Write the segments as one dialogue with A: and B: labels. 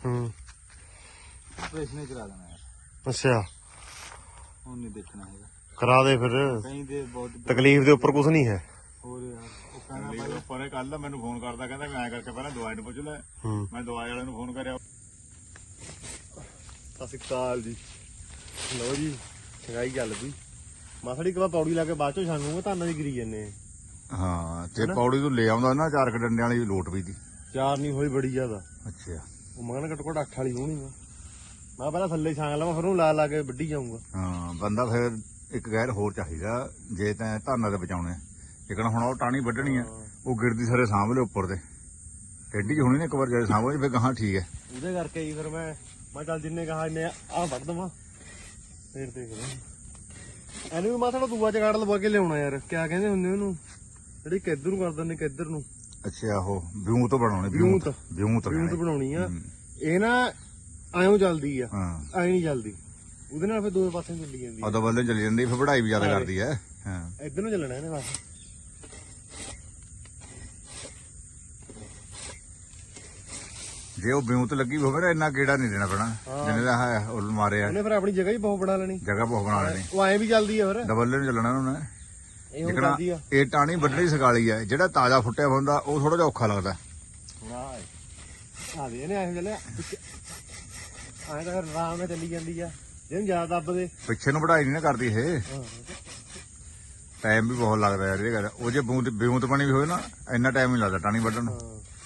A: Operation ही करा देना यार।
B: ਅੱਛਾ
A: ਹੁਣ ਨਹੀਂ ਦੇਖਣਾ ਹੈਗਾ।
B: ਕਰਾ ਦੇ ਫਿਰ
A: ਕहीं ਦੇ ਬਹੁਤ
B: ਤਕਲੀਫ ਦੇ ਉੱਪਰ ਕੁਝ ਨਹੀਂ ਹੈ।
A: ਹੋਰ ਯਾਰ ਉਹ ਕਹਿੰਦਾ ਭਾਈ ਉੱਪਰ ਕੱਲ ਮੈਨੂੰ ਫੋਨ ਕਰਦਾ ਕਹਿੰਦਾ ਮੈਂ ਐਂ ਕਰਕੇ ਪਹਿਲਾਂ ਦਵਾਈ ਨੂੰ ਪੁੱਛ ਲੈ। ਮੈਂ ਦਵਾਈ ਵਾਲੇ ਨੂੰ ਫੋਨ ਕਰਿਆ।
B: ਸਤਿ ਸ਼੍ਰੀ ਅਕਾਲ ਜੀ। ਲਓ ਜੀ ਛੰਗਾਈ ਚੱਲ ਪਈ ਮਾਸੜੀ ਇੱਕ ਵਾਰ ਪੌੜੀ ਲਾ ਕੇ ਬਾਅਦ ਚੋਂ ਛਾਂਗੂਗੇ ਧਾਨਾਂ ਦੀ ਗਿਰੀ ਜੰਨੇ।
A: ਹਾਂ ਤੇ ਪੌੜੀ ਤੋਂ ਲੈ ਆਉਂਦਾ ਨਾ 4 ਡੰਡਿਆਂ ਵਾਲੀ ਲੋਟ ਵੀ ਦੀ।
B: 4 ਨਹੀਂ ਹੋਈ ਬੜੀ ਜ਼ਿਆਦਾ।
A: ਅੱਛਾ
B: ਉਹ ਮੈਂ ਕਹਿੰਦਾ ਘੱਟੋ ਘੱਟ 8 ਵਾਲੀ ਹੋਣੀ। ਮੈਂ ਪਹਿਲਾਂ ਥੱਲੇ ਛਾਂਗ ਲਵਾਂ ਫਿਰ ਉਹਨੂੰ ਲਾ ਲਾ ਕੇ ਵੱਢੀ ਜਾਊਂਗਾ।
A: ਹਾਂ ਬੰਦਾ ਫਿਰ ਇੱਕ ਗੈਰ ਹੋਰ ਚਾਹੀਦਾ ਜੇ ਤੈਂ ਧਾਨਾਂ ਤੇ ਬਚਾਉਣੇ। ਜਿਕਣਾ ਹੁਣ ਉਹ ਟਾਣੀ ਵੱਢਣੀ ਆ ਉਹ ਗਿਰਦੀ ਸਾਰੇ ਸਾਂਭ ਲਿਓ ਉੱਪਰ ਤੇ ਟੇਢੀ ਹੋਣੀ ਨੇ ਇੱਕ ਵਾਰ ਜੇ ਸਾਂਭ ਲਈ ਫਿਰ ਗਾਹਾਂ ਠੀਕ ਹੈ।
B: ਉਹਦੇ ਕਰਕੇ ਹੀ ਫਿਰ ਮੈਂ ਚੱਲ ਜਿੰਨੇ ਕਹਾ ਇੰਨੇ ਆਹ ਵੱਢ ਦਵਾਂ ਫੇਰ ਦੇਖਦੇ ਇਹਨੂੰ ਵੀ ਮੈਂ ਥੋੜਾ ਦੂਆ ਚਗਾੜ ਲਵਾ ਕੇ ਲਿਆਉਣਾ ਯਾਰ। ਕਿਆ ਕਹਿੰਦੇ ਹੁੰਦੇ ਉਹਨੂੰ ਜਿਹੜੀ ਕਿੱਧਰ ਨੂੰ ਕਰ ਦਿੰਦੇ ਕਿੱਧਰ ਨੂੰ।
A: ਅੱਛਾ ਉਹ ਵਿਊ ਤੋਂ ਬਣਾਉਣੇ ਵਿਊ ਤੋਂ
B: ਬਣਾਉਣੀ ਆ। ਇਹ ਨਾ ਐਂ ਚੱਲਦੀ ਆ
A: ਹਾਂ
B: ਐਂ ਨਹੀਂ ਚੱਲਦੀ ਉਹਦੇ ਨਾਲ ਫਿਰ ਦੋਵੇਂ ਪਾਸੇ ਚੱਲੀ ਜਾਂਦੀ ਆ।
A: ਉਦੋਂ ਬੰਦੇ ਚਲੀ ਜਾਂਦੀ ਫਿਰ ਪੜ੍ਹਾਈ ਵੀ ਜ਼ਿਆਦਾ ਕਰਦੀ ਹੈ। ਹਾਂ
B: ਇੱਧਰ ਨੂੰ ਚੱਲਣਾ ਇਹਨੇ ਬਸ।
A: ਜੇ ਉਹ ਵਿਊ ਤੇ ਲੱਗੀ ਹੋਵੇ ਨਾ ਇੰਨਾ ਕੀੜਾ ਨਹੀਂ ਦੇਣਾ ਪੈਣਾ ਜਿੰਨੇ ਦਾ ਹੈ ਉਹ ਮਾਰਿਆ
B: ਉਹਨੇ ਫਿਰ ਆਪਣੀ ਜਗ੍ਹਾ ਹੀ ਬਹੁਤ ਬਣਾ ਲੈਣੀ।
A: ਜਗ੍ਹਾ ਬਹੁਤ ਬਣਾ ਲੈਣੀ।
B: ਉਹ ਐਂ ਵੀ ਚੱਲਦੀ ਆ ਫਿਰ
A: ਡਬਲ ਨੂੰ ਚੱਲਣਾ ਉਹਨੇ।
B: ਇਹ ਹੁਣ ਚੱਲਦੀ ਆ।
A: ਇਹ ਟਾਣੀ ਵੱਢਣੀ ਸਕਾਲੀ ਹੈ ਜਿਹੜਾ ਤਾਜ਼ਾ ਫੁੱਟਿਆ ਹੁੰਦਾ ਉਹ ਥੋੜਾ ਜਿਹਾ ਔਖਾ ਲੱਗਦਾ।
B: ਆ ਦੇ ਇਹਨੇ ਐਂ ਚੱਲਿਆ ਐਂ ਤਾਂ ਫਿਰ ਆਰਾਮ ਨਾਲ ਚੱਲੀ ਜਾਂਦੀ ਆ ਜਿਹਨੂੰ ਜ਼ਿਆਦਾ ਦੱਬਦੇ
A: ਪਿੱਛੇ ਨੂੰ ਵਢਾਈ ਨਹੀਂ ਨਾ ਕਰਦੀ ਇਹ। ਟਾਈਮ ਵੀ ਬਹੁਤ ਲੱਗਦਾ ਯਾਰ ਇਹ ਗੱਲ। ਉਹ ਜੇ ਵਿਊ ਪਾਣੀ ਵੀ ਹੋਵੇ ਨਾ ਇੰਨਾ ਟਾਈਮ ਨਹੀਂ ਲੱਗਦਾ ਟਾਣੀ ਵੱਢਣ ਨੂੰ।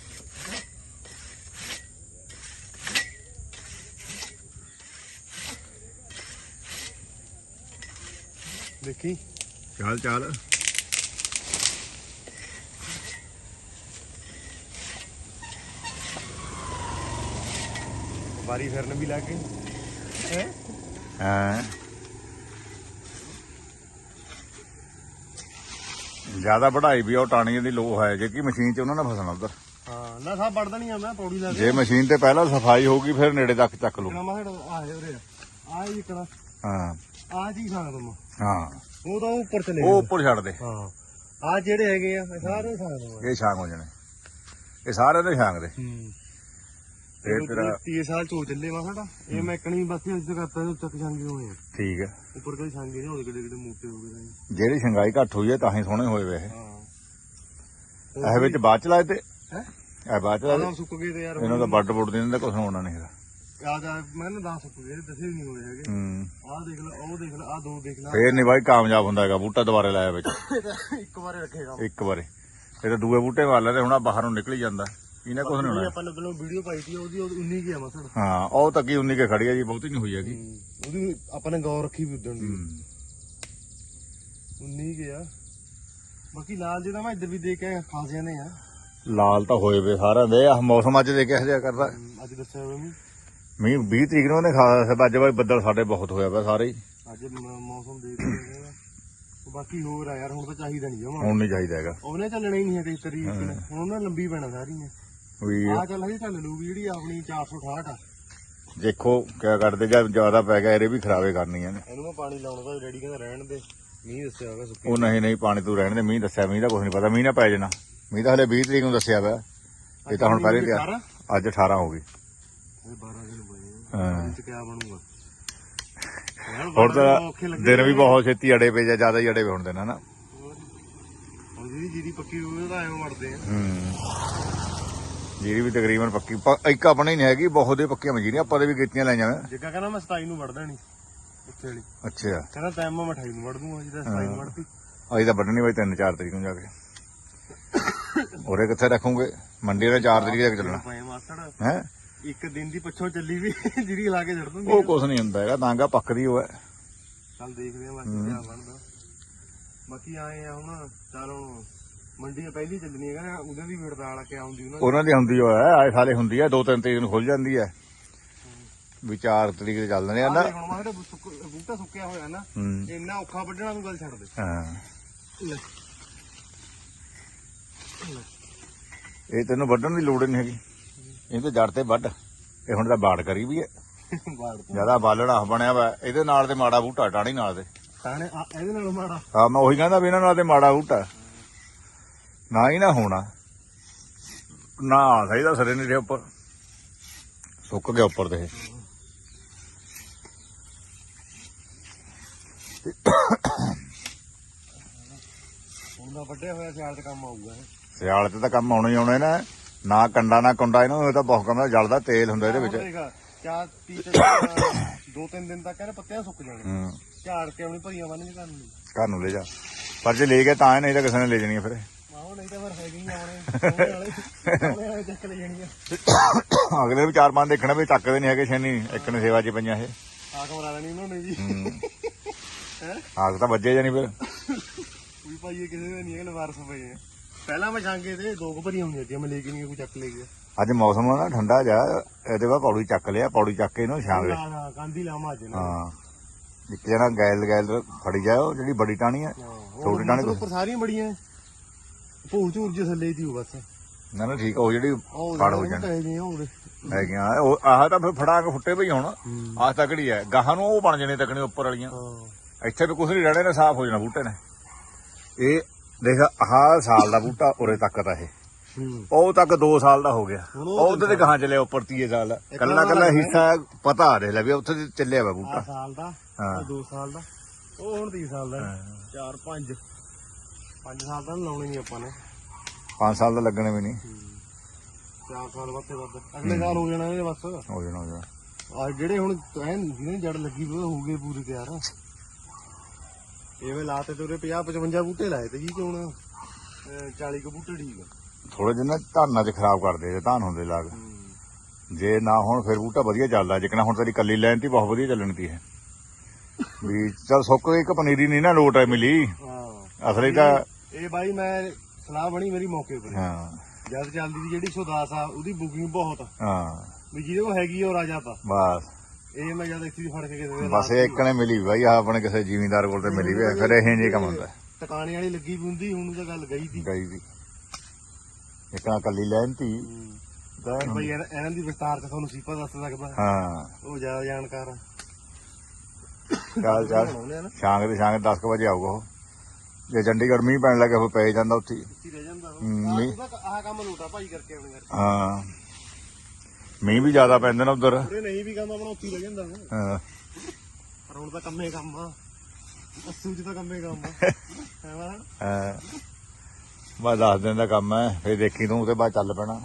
B: ਦੇਖੀ
A: ਚੱਲ
B: ਵਾਰੀ ਫਿਰਨ ਵੀ ਲੱਗ ਗਈ
A: ਹਾਂ ਜਿਆਦਾ ਵਢਾਈ ਵੀ ਉਹ ਟਾਣੀ ਦੀ ਲੋ ਹੈ ਜੇ ਕਿ ਮਸ਼ੀਨ 'ਚ ਉਹਨਾਂ ਨੇ ਫਸਣਾ ਉਧਰ।
B: ਹਾਂ ਨਾ ਸਭ ਵੱਢ ਦੇਣੀ ਆ ਮੈਂ ਪੌੜੀ ਲਾ ਕੇ।
A: ਜੇ ਮਸ਼ੀਨ ਤੇ ਪਹਿਲਾਂ ਸਫਾਈ ਹੋਊਗੀ ਫਿਰ ਨੇੜੇ ਤੱਕ ਚੱਕ ਲੂ।
B: ਆ ਜੀ ਕਰਾ
A: ਹਾਂ
B: ਆ ਜੀ ਖਾਣਾ ਤੁਮ
A: ਹਾਂ
B: ਉਹ ਤਾਂ ਉੱਪਰ ਚਲੇ
A: ਉਹ ਉੱਪਰ ਛੱਡ ਦੇ।
B: ਹਾਂ ਆ ਜਿਹੜੇ ਹੈਗੇ ਆ ਇਹ ਸਾਰੇ ਖਾਣਾ ਦਵਾਂ।
A: ਇਹ ਛਾਂਗ ਹੋ ਜਾਣੇ ਇਹ ਸਾਰੇ ਦੇ ਛਾਂਗ ਦੇ।
B: ਇਹ ਤੇਰਾ 30 ਸਾਲ ਚੋ ਚੱਲੇ ਵਾ ਸਾਡਾ ਇਹ ਮੈਂ ਕਣੀ ਬਸ ਅੱਜ ਤੱਕ ਕਰਤਾ ਚੱਕ ਛਾਂਗੇ ਹੋਏ ਆ।
A: ਠੀਕ ਹੈ
B: ਉੱਪਰ ਕੋਈ ਛਾਂਗੇ ਨਹੀਂ ਹੋਦੇ ਕਿਤੇ ਮੋਟੇ ਹੋ ਗਏ।
A: ਜਿਹੜੀ ਛੰਗਾਈ ਘੱਟ ਹੋਈ ਹੈ ਤਾਂ ਹੀ ਸੋਹਣੇ ਹੋਏ ਵੇ
B: ਹਾਂ
A: ਇਹ ਵਿੱਚ ਬਾਅਦ ਚ ਲਾਏ ਤੇ
B: ਹੈ
A: ਇਹ ਬਾਅਦ ਚ ਲਾਏ
B: ਸੁੱਕ ਗਏ ਤੇ ਯਾਰ
A: ਇਹਨਾਂ ਦਾ ਵੱਡ ਬੁੱਡ ਦਿੰਦੇ ਕੁਛ ਹੋਣਾ ਨਹੀਂ ਹੈਗਾ।
B: ਆ ਮੈਂ ਨਾ 10 ਸੁੱਕ ਗਏ ਦੱਸੇ ਨਹੀਂ ਹੋਏ ਹੈਗੇ। ਆਹ ਦੇਖ ਲੈ ਉਹ ਦੇਖ ਲੈ ਆਹ ਦੋ ਦੇਖ ਲੈ
A: ਫੇਰ ਨਹੀਂ ਬਾਈ ਕਾਮਯਾਬ ਹੁੰਦਾ ਹੈਗਾ ਬੂਟਾ ਦੁਬਾਰੇ ਲਾਇਆ ਵਿੱਚ
B: ਇੱਕ ਵਾਰੇ ਰੱਖੇਗਾ
A: ਇੱਕ ਵਾਰੇ ਇਹ ਤਾਂ ਦੂਏ ਬੂਟੇ ਵਾਲ ਤੇ ਹੁਣ ਬਾਹਰ ਨੂੰ ਨਿਕਲ ਜਾਂਦਾ ਇਹਨੇ ਕੁਛ ਨਹੀਂ ਹੋਣਾ।
B: ਆਪਾਂ ਨੇ ਵੀਡੀਓ ਪਾਈ ਸੀ ਉਹਦੀ 19 ਕੀ ਆ ਮਸੜ।
A: ਹਾਂ ਉਹ ਤੱਕੀ 19 ਕੇ ਖੜੀ ਹੈ ਜੀ ਬਹੁਤੀ ਨਹੀਂ ਹੋਈ ਹੈਗੀ।
B: ਉਹਦੀ ਆਪਾਂ ਨੇ ਗੌਰ ਰੱਖੀ ਵੀ ਉਦਣ ਦੀ 19 ਕੇ ਆ। ਬਾਕੀ ਲਾਲ ਜਿਹੜਾ ਮੈਂ ਇੱਧਰ ਵੀ ਦੇਖ ਕੇ ਖਾਸ ਜਾਂਦੇ ਆ
A: ਲਾਲ ਤਾਂ ਹੋਏ ਵੇ ਸਾਰਿਆਂ ਦੇ। ਆਹ ਮੌਸਮ ਅੱਜ ਦੇ ਕਿਹੋ ਜਿਹਾ ਕਰਦਾ।
B: ਅੱਜ ਦੱਸਿਆ ਹੋਇਆ
A: ਮੀਂਹ 20 ਤਰੀਕ ਨੂੰ ਉਹਨੇ ਖਾਸ ਅੱਜ ਬਾਈ ਬੱਦਲ ਸਾਡੇ ਬਹੁਤ ਹੋਇਆ ਵਾ ਸਾਰੇ ਹੀ।
B: ਅੱਜ ਮੌਸਮ ਦੇਖ ਰਹੇ ਬਾਕੀ ਹੋਰ ਆ ਯਾਰ ਹੁਣ ਤਾਂ ਚਾਹੀਦਾ ਨਹੀਂ ਜਮਾ।
A: ਹੁਣ ਨਹੀਂ ਚਾਹੀਦਾ ਹੈਗਾ
B: ਉਹਨੇ ਚੱਲਣਾ ਹੀ ਨਹੀਂ ਹੈ ਤੇ ਤਰੀਕ ਹੁਣ ਉਹਨਾਂ ਲੰਬੀ ਪੈਣਾ ਸਾਰੀ ਨੇ
A: ਵੀ
B: ਆ ਚੱਲ ਹਜੇ ਚੱਲ ਲੂਗੀ ਜਿਹੜੀ ਆਪਣੀ 468 ਆ।
A: ਦੇਖੋ ਕਿਆ ਕਰਦੇ ਜਾਂ ਜ਼ਿਆਦਾ ਪੈ ਗਿਆ ਇਹਦੇ ਵੀ ਖਰਾਬੇ ਕਰਨੀਆਂ ਨੇ।
B: ਇਹਨੂੰ ਮੈਂ ਪਾਣੀ ਲਾਉਣ ਦਾ ਰੈਡੀ ਕਹਿੰਦਾ ਰਹਿਣ ਦੇ ਮੀਂਹ ਦੱਸਿਆ ਹੋਗਾ ਸੁੱਕੀ।
A: ਉਹ ਨਹੀਂ ਪਾਣੀ ਤੂੰ ਰਹਿਣ ਦੇ ਮੀਂਹ ਦੱਸਿਆ ਮੀਂਹ ਦਾ ਕੁਝ ਨਹੀਂ ਪਤਾ ਮੀਂਹ ਨਾ ਪੈ ਜਾਣਾ। ਮੀਂਹ ਤਾਂ ਹਲੇ 20 ਤਰੀਕ ਨੂੰ ਦੱਸਿਆ ਵਾ ਇਹ ਤਾਂ ਹੁਣ ਪਹਿਲੇ ਤਿਆਰ ਅੱਜ 18 ਹੋ ਗਈ।
B: 12 ਦਿਨ ਪਏ ਹਾਂ ਇਹ ਕਿਆ ਬਣੂਗਾ
A: ਹੋਰ ਤਾਂ ਦਿਨ ਵੀ ਬਹੁਤ ਛੇਤੀ ਅੜੇ ਪਏ ਜਾਂ ਜ਼ਿਆਦਾ ਹੀ ਅੜੇ ਪਏ ਹੁਣ ਦਿਨ ਹਨਾ।
B: ਹੁਣ ਜਿਹੜੀ ਪੱਕੀ ਹੋਵੇ ਤਾਂ ਐਵੇਂ ਮਰਦੇ ਆ।
A: ਜੀਰੀ ਵੀ ਤਕਰੀਬਨ ਪੱਕੀ ਇੱਕ ਆਪਣੀ ਹੀ ਨਹੀਂ ਹੈਗੀ ਬਹੁਤ ਦੇ ਪੱਕੀਆਂ ਮਜੀਰੀਆਂ ਆਪਾਂ ਦੇ ਵੀ ਕੀਤੀਆਂ ਲਾਈਆਂ ਵਾ।
B: ਜੱਗਾ ਕਹਿੰਦਾ ਮੈਂ 27 ਨੂੰ ਵੜ ਦੇਣੀ ਉੱਥੇ ਵਾਲੀ।
A: ਅੱਛਾ
B: ਕਹਿੰਦਾ ਟਾਈਮ ਮੈਂ 28 ਨੂੰ ਵੜ ਦੂੰਗਾ ਜਿਹਦਾ 27 ਨੂੰ ਵੜਤੀ।
A: ਅਜੇ ਤਾਂ ਵੱਢਣੀ ਬਾਈ 3-4 ਤਰੀਕ ਨੂੰ ਜਾ ਕੇ ਉਰੇ ਕਿੱਥੇ ਰੱਖੂਗੇ ਮੰਡੀ ਦਾ 4 ਤਰੀਕ ਤੱਕ ਚੱਲਣਾ ਹੈ।
B: ਇੱਕ ਦਿਨ ਦੀ ਪਿੱਛੋਂ ਚੱਲੀ ਵੀ ਜਿਹੜੀ ਲਾ ਕੇ ਛੱਡ ਦੂੰਗੀ
A: ਉਹ ਕੁਛ ਨਹੀਂ ਹੁੰਦਾ ਹੈਗਾ ਤਾਂਗਾ ਪੱਕਦੀ ਉਹ ਹੈ।
B: ਚੱਲ ਦੇਖਦੇ ਆ ਬਾਕੀ ਕਿਆ ਬਣਦਾ। ਬਾਕੀ ਆਏ ਆ ਹੁਣ ਚੱਲ ਹੁਣ ਮੰਡੀ ਪਹਿਲੀ ਚੱਲਣੀ ਹੈਗਾ ਉਹਦੇ ਦੀ ਹੜਤਾਲ ਆ ਕੇ ਆਉਂਦੀ
A: ਉਹਨਾਂ ਦੀ ਹੁੰਦੀ ਉਹ ਹੈ ਆਏ ਸਾਲੇ ਹੁੰਦੀ ਹੈ 2-3 ਤਰੀਕ ਨੂੰ ਖੁੱਲ ਜਾਂਦੀ ਹੈ ਵੀ 4 ਤਰੀਕ ਤੇ ਚੱਲਦੇ ਆ ਨਾ।
B: ਹੁਣ ਮੈਂ ਬੂਟਾ ਸੁੱਕਿਆ ਹੋਇਆ ਨਾ ਇੰਨਾ ਔਖਾ ਵੱਢਣਾ ਤੂੰ ਗੱਲ ਛੱਡ ਦੇ।
A: ਹਾਂ ਇਹ ਤੈਨੂੰ ਵੱਢਣ ਦੀ ਲੋੜ ਨਹੀਂ ਹੈਗੀ ਇਹ ਤਾਂ ਜੜ ਤੇ ਵੱਢ। ਇਹ ਹੁਣ ਤਾਂ ਬਾੜ ਕਰੀ ਵੀ ਹੈ ਜਿਆਦਾ ਬਾਲਣਾ ਬਣਿਆ ਵਾ ਇਹਦੇ ਨਾਲ ਤੇ ਮਾੜਾ ਬੂਟਾ ਟਾਣੀ ਨਾਲ ਦੇ
B: ਇਹਦੇ ਨਾਲ ਮਾੜਾ।
A: ਹਾਂ ਮੈਂ ਉਹੀ ਕਹਿੰਦਾ ਵੀ ਇਹਨਾਂ ਨਾਲ ਤੇ ਮਾੜਾ ਬੂਟਾ ਨਾ ਹੀ ਨਾ ਹੋਣਾ ਨਾ ਸਹੀ ਦਾ ਸਰੇ ਨਹੀਂ ਰਿਹਾ ਉੱਪਰ ਸੁੱਕ ਗਿਆ ਉੱਪਰ ਤੇ ਇਹ।
B: ਹੁਣ ਦਾ ਵੱਡੇ ਹੋਇਆ ਸਿਆਲ 'ਚ ਕੰਮ ਆਊਗਾ ਇਹ।
A: ਸਿਆਲ ਤੇ ਤਾਂ ਕੰਮ ਆਉਣਾ ਹੀ ਆਉਣਾ ਇਹਨਾਂ ਨਾ ਕੰਡਾ ਨਾ ਕੁੰਡਾ ਇਹਨਾਂ ਨੂੰ, ਇਹ ਤਾਂ ਬਹੁਤ ਕਹਿੰਦਾ ਜਲਦਾ ਤੇਲ ਹੁੰਦਾ ਇਹਦੇ ਵਿੱਚ।
B: ਚਾਰ 2-3 ਦਿਨ ਤੱਕ ਇਹਨੇ ਪੱਤਿਆਂ ਸੁੱਕ ਜਾਣੇ। ਝਾੜ ਕੇ ਆਪਣੀ ਭਰੀਆਂ ਬੰਨ ਕੇ
A: ਘਰ ਨੂੰ ਲੈ ਜਾ, ਪਰ ਜੇ ਲੈ ਗਏ ਤਾਂ ਨਹੀਂ ਤਾਂ ਕਿਸੇ ਨੇ ਲੈ ਜਾਣੀ ਫਿਰ।
B: ਆਹੋ ਨਹੀਂ ਤਾਂ ਫਿਰ ਹੈਗੇ ਹੀ ਆਉਣੇ ਵਾਲੇ ਚੱਕ ਲੈ ਜਾਣੀਆਂ।
A: ਅਗਲੇ ਵੀ 4-5 ਦੇਖਣਾ ਵੀ ਚੱਕਦੇ ਨਹੀਂ ਹੈਗੇ ਛੇਨੀ, ਇੱਕ ਨੇ ਸੇਵਾ 'ਚ ਪਈਆਂ ਇਹ।
B: ਆਖ ਮਰਾ ਲੈਣੀ ਉਹਨਾਂ ਨੇ ਜੀ ਹੈ।
A: ਆਗ ਤਾਂ ਵੱਜੇ ਜਾਣੀ ਫਿਰ।
B: ਵੀ ਭਾਈ ਇਹ ਕਿਸੇ ਦੇ ਨਹੀਂ ਹੈਗੇ ਵਾਰਸ ਪਏ ਆ। ਪਹਿਲਾਂ ਮੈਂ ਛਾਂਗੇ ਤੇ 2 ਭਰੀਆਂ ਹੁੰਦੀਆਂ ਸੀ, ਮੈਂ ਲੈ ਕੇ ਨਹੀਂ ਕੋਈ ਚੱਕ ਲੈ ਗਿਆ।
A: ਅੱਜ ਮੌਸਮ ਨਾ ਠੰਡਾ ਜਾ, ਇਹਦੇ ਬਾਅਦ ਪੌੜੀ ਚੱਕ ਲਿਆ, ਪੌੜੀ ਚੱਕ ਕੇ ਇਹਨੂੰ ਛਾਂਗ ਲੈ।
B: ਹਾਂ ਗਾਂਧੀ ਲਾਵਾਂ ਅੱਜ ਨਾ।
A: ਹਾਂ ਇੱਕ ਜਣਾ ਗੈਲ ਫੜੀ ਜਾਏ, ਉਹ ਜਿਹੜੀ ਬੜੀ ਟਾਣੀ ਹੈ, ਛੋਟੀ ਟਾਣੀ
B: ਉੱਪਰ ਸਾਰੀਆਂ ਬੜੀਆਂ ਭੂਰ ਝੂਰ ਜੇ ਥੱਲੇ ਦੀ ਬਸ।
A: ਨਾ ਨਾ ਠੀਕ, ਉਹ ਜਿਹੜੀ ਫੜ ਹੋ ਜਾਣੀ
B: ਜਾਣੀ
A: ਹੈਗੀਆਂ। ਉਹ ਆਹ ਤਾਂ ਫਿਰ ਫੜਾ ਕੇ ਫੁੱਟੇ ਪਈ ਹੁਣ, ਆਹ ਤਕੜੀ ਹੈ। ਗਾਹਾਂ ਨੂੰ ਉਹ ਬਣ ਜਾਣੇ ਤਕੜੀ ਉੱਪਰ ਵਾਲੀਆਂ। ਇੱਥੇ ਵੀ ਕੁਛ ਨਹੀਂ ਰਹਿਣੇ ਨੇ, ਸਾਫ਼ ਹੋ ਜਾਣਾ ਬੂਟੇ ਨੇ। ਇਹ ਦੇਖ ਆਹ ਸਾਲ ਦਾ ਬੂਟਾ ਉਰੇ ਤੱਕ ਤਾਂ ਇਹ, ਉਹ ਤੱਕ 2 ਸਾਲ ਦਾ ਹੋ ਗਿਆ। ਉਹ ਉਧਰ ਤੇ ਗਾਹਾਂ ਚੱਲਿਆ ਉੱਪਰ 30 ਸਾਲ ਦਾ। ਕੱਲਾ ਹਿੱਸਾ ਪਤਾ ਆ ਰਿਹਾ ਵੀ ਉੱਥੇ ਚੱਲਿਆ ਵਾ ਬੂਟਾ।
B: ਸਾਲ ਦਾ, 2 ਸਾਲ ਦਾ, ਉਹ ਹੁਣ 30 ਸਾਲ ਦਾ। 4-5 ਸਾਲ ਦਾ ਲਾਉਣੇ ਨਹੀਂ ਆਪਾਂ ਨੇ।
A: 5 ਸਾਲ ਦਾ ਲੱਗਣੇ ਵੀ ਨਹੀਂ,
B: 4 ਸਾਲ ਵੱਧ ਤੇ ਵੱਧ ਅਗਲੇ ਸਾਲ ਹੋ ਜਾਣਾ ਇਹ ਬਸ।
A: ਹੋ ਜਾਣਾ।
B: ਆ ਜਿਹੜੇ ਹੁਣ ਜਿਹਨੇ ਜੜ ਲੱਗੀ ਉਹ ਹੋ ਗਏ ਪੂਰੇ ਤਿਆਰ। ਐਵੇਂ ਲਾਤੇ ਤੇ ਉਰੇ 50-55 ਬੂਟੇ ਲਾਏ ਤੇ ਜੀ ਕਿ ਹੁਣ 40 ਕੁ ਬੂਟੇ ਠੀਕ ਆ।
A: ਥੋੜੇ ਜਿਹੇ ਨਾ ਧਾਨਾਂ 'ਚ ਖਰਾਬ ਕਰਦੇ ਜੇ ਧਾਨ ਹੁੰਦੇ ਲਾਗ, ਜੇ ਨਾ ਹੁਣ ਫਿਰ ਬੂਟਾ ਵਧੀਆ ਚੱਲਦਾ। ਜਿਕਣਾ ਹੁਣ ਤੇਰੀ ਕੱਲੀ ਲਾਈਨ ਤੀ ਬਹੁਤ ਵਧੀਆ ਚੱਲਣੀ ਤੀ ਹੈ ਵੀ। ਚੱਲ ਸੁੱਕ ਇੱਕ ਪਨੀਰੀ ਨਹੀਂ ਨਾ ਲੋਟ ਹੈ ਮਿਲੀ ਅਸਲੀ ਤਾਂ।
B: ਇਹ ਬਾਈ ਮੈਂ ਸਲਾਹ ਬਣੀ ਮੇਰੀ ਮੌਕੇ ਪਰ।
A: ਹਾਂ
B: ਜਦ ਚੱਲਦੀ ਸੀ ਜਿਹੜੀ 110 ਆ, ਉਹਦੀ ਬੁਕਿੰਗ ਬਹੁਤ।
A: ਹਾਂ
B: ਵੀ ਜਿਹਦੇ ਕੋਲ ਹੈਗੀ ਉਹ ਰਾਜਾ ਤਾਂ
A: ਬਸ।
B: ਇਹ ਮੈਂ ਜਦ ਇੱਥੇ ਫੜ ਕੇ ਕਿਸੇ
A: ਬਸ ਇਹ ਇੱਕ ਨੇ ਮਿਲੀ ਬਾਈ, ਆਹ ਆਪਣੇ ਕਿਸੇ ਜ਼ਿਮੀਂਦਾਰ ਕੋਲ ਤੇ ਮਿਲੀ ਵੀ ਫਿਰ ਇਹ ਜੇ ਕੰਮ ਹੁੰਦਾ।
B: ਟਿਕਾਣੇ ਵਾਲੀ ਲੱਗੀ ਵੀ ਹੁੰਦੀ, ਹੁਣ ਤਾਂ ਗੱਲ ਗਈ ਸੀ
A: ਗਈ ਸੀ ਇੱਕ ਨਾ ਕੱਲੀ ਲੈਣ ਤੀ।
B: ਬਈ ਇਹਨਾਂ ਦੀ ਵਿਸਤਾਰ ਚ ਤੁਹਾਨੂੰ ਸੀਪਾ ਦੱਸ ਸਕਦਾ।
A: ਹਾਂ
B: ਉਹ ਜ਼ਿਆਦਾ ਜਾਣਕਾਰ ਆ।
A: ਚੱਲ ਸ਼ਾਮ ਦੇ 10 ਵਜੇ ਆਊਗਾ ਉਹ। ਜੇ ਚੰਡੀਗੜ੍ਹ ਮੀਂਹ ਪੈਣ ਲੱਗੇ ਫਿਰ ਪੈ ਜਾਂਦਾ ਉੱਥੇ
B: ਰਹਿ ਜਾਂਦਾ। ਆਹ ਕੰਮ ਲੋਟਾ ਭਾਈ ਕਰਕੇ ਆਉਣੇ ਕਰਕੇ।
A: ਹਾਂ ਮੀਂਹ ਵੀ ਜ਼ਿਆਦਾ ਪੈਂਦੇ ਨੇ ਉਧਰ।
B: ਉਰੇ ਨਹੀਂ ਵੀ ਕੰਮ ਆਪਣਾ ਉੱਥੇ ਰਹਿ ਜਾਂਦਾ।
A: ਹਾਂ
B: ਪਰ ਹੁਣ ਤਾਂ ਕੰਮੇ ਕੰਮ ਆ, ਅਸੂ ਚ ਤਾਂ ਕੰਮੇ ਕੰਮ ਆ।
A: ਹਾਂ ਬਸ 10 ਦਿਨ ਦਾ ਕੰਮ ਹੈ, ਫਿਰ ਦੇਖੀ ਤੂੰ ਉਹਦੇ ਬਾਅਦ ਚੱਲ ਪੈਣਾ।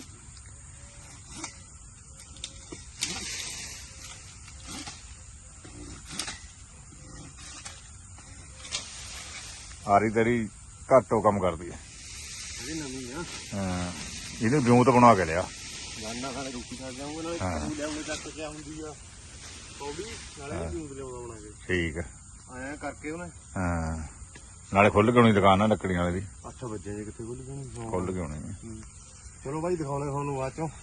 A: ਆਰੀ ਤੇਰੀ ਘੱਟੋ ਕੰਮ ਕਰਦੀ ਹੈ।
B: ਇਹ ਨਵੀਂ ਆ।
A: ਹਾਂ ਇਹਨੂੰ ਵਿਉਂਤ ਬਣਾ ਕੇ ਲਿਆ।
B: ਗਾਂਡਾ ਖਾਣੇ ਰੋਟੀ ਖਾ ਜਾਊਂਗਾ ਨਾਲੇ ਲਿਆਉਣੇ ਚੱਕ ਕੇ ਹੁੰਦੀ ਆ ਕੌੜੀ ਨਾਲੇ ਵੀ ਲਿਆਉਣਾ ਬਣਾ ਕੇ।
A: ਠੀਕ ਹੈ
B: ਆਇਆ ਕਰਕੇ ਉਹਨੇ।
A: ਹਾਂ ਨਾਲੇ ਖੁੱਲ ਕੇ ਹੋਣੀ ਦੁਕਾਨ ਆ ਲੱਕੜੀਆਂ ਵਾਲੀ ਦੀ।
B: 8 ਵਜੇ ਜੇ ਕਿੱਥੇ ਖੁੱਲ ਗਈ।
A: ਖੁੱਲ ਕੇ ਹੋਣੀ।
B: ਚਲੋ ਬਾਈ ਦਿਖਾਉਣੇ ਤੁਹਾਨੂੰ ਬਾਅਦ ਚੋਂ।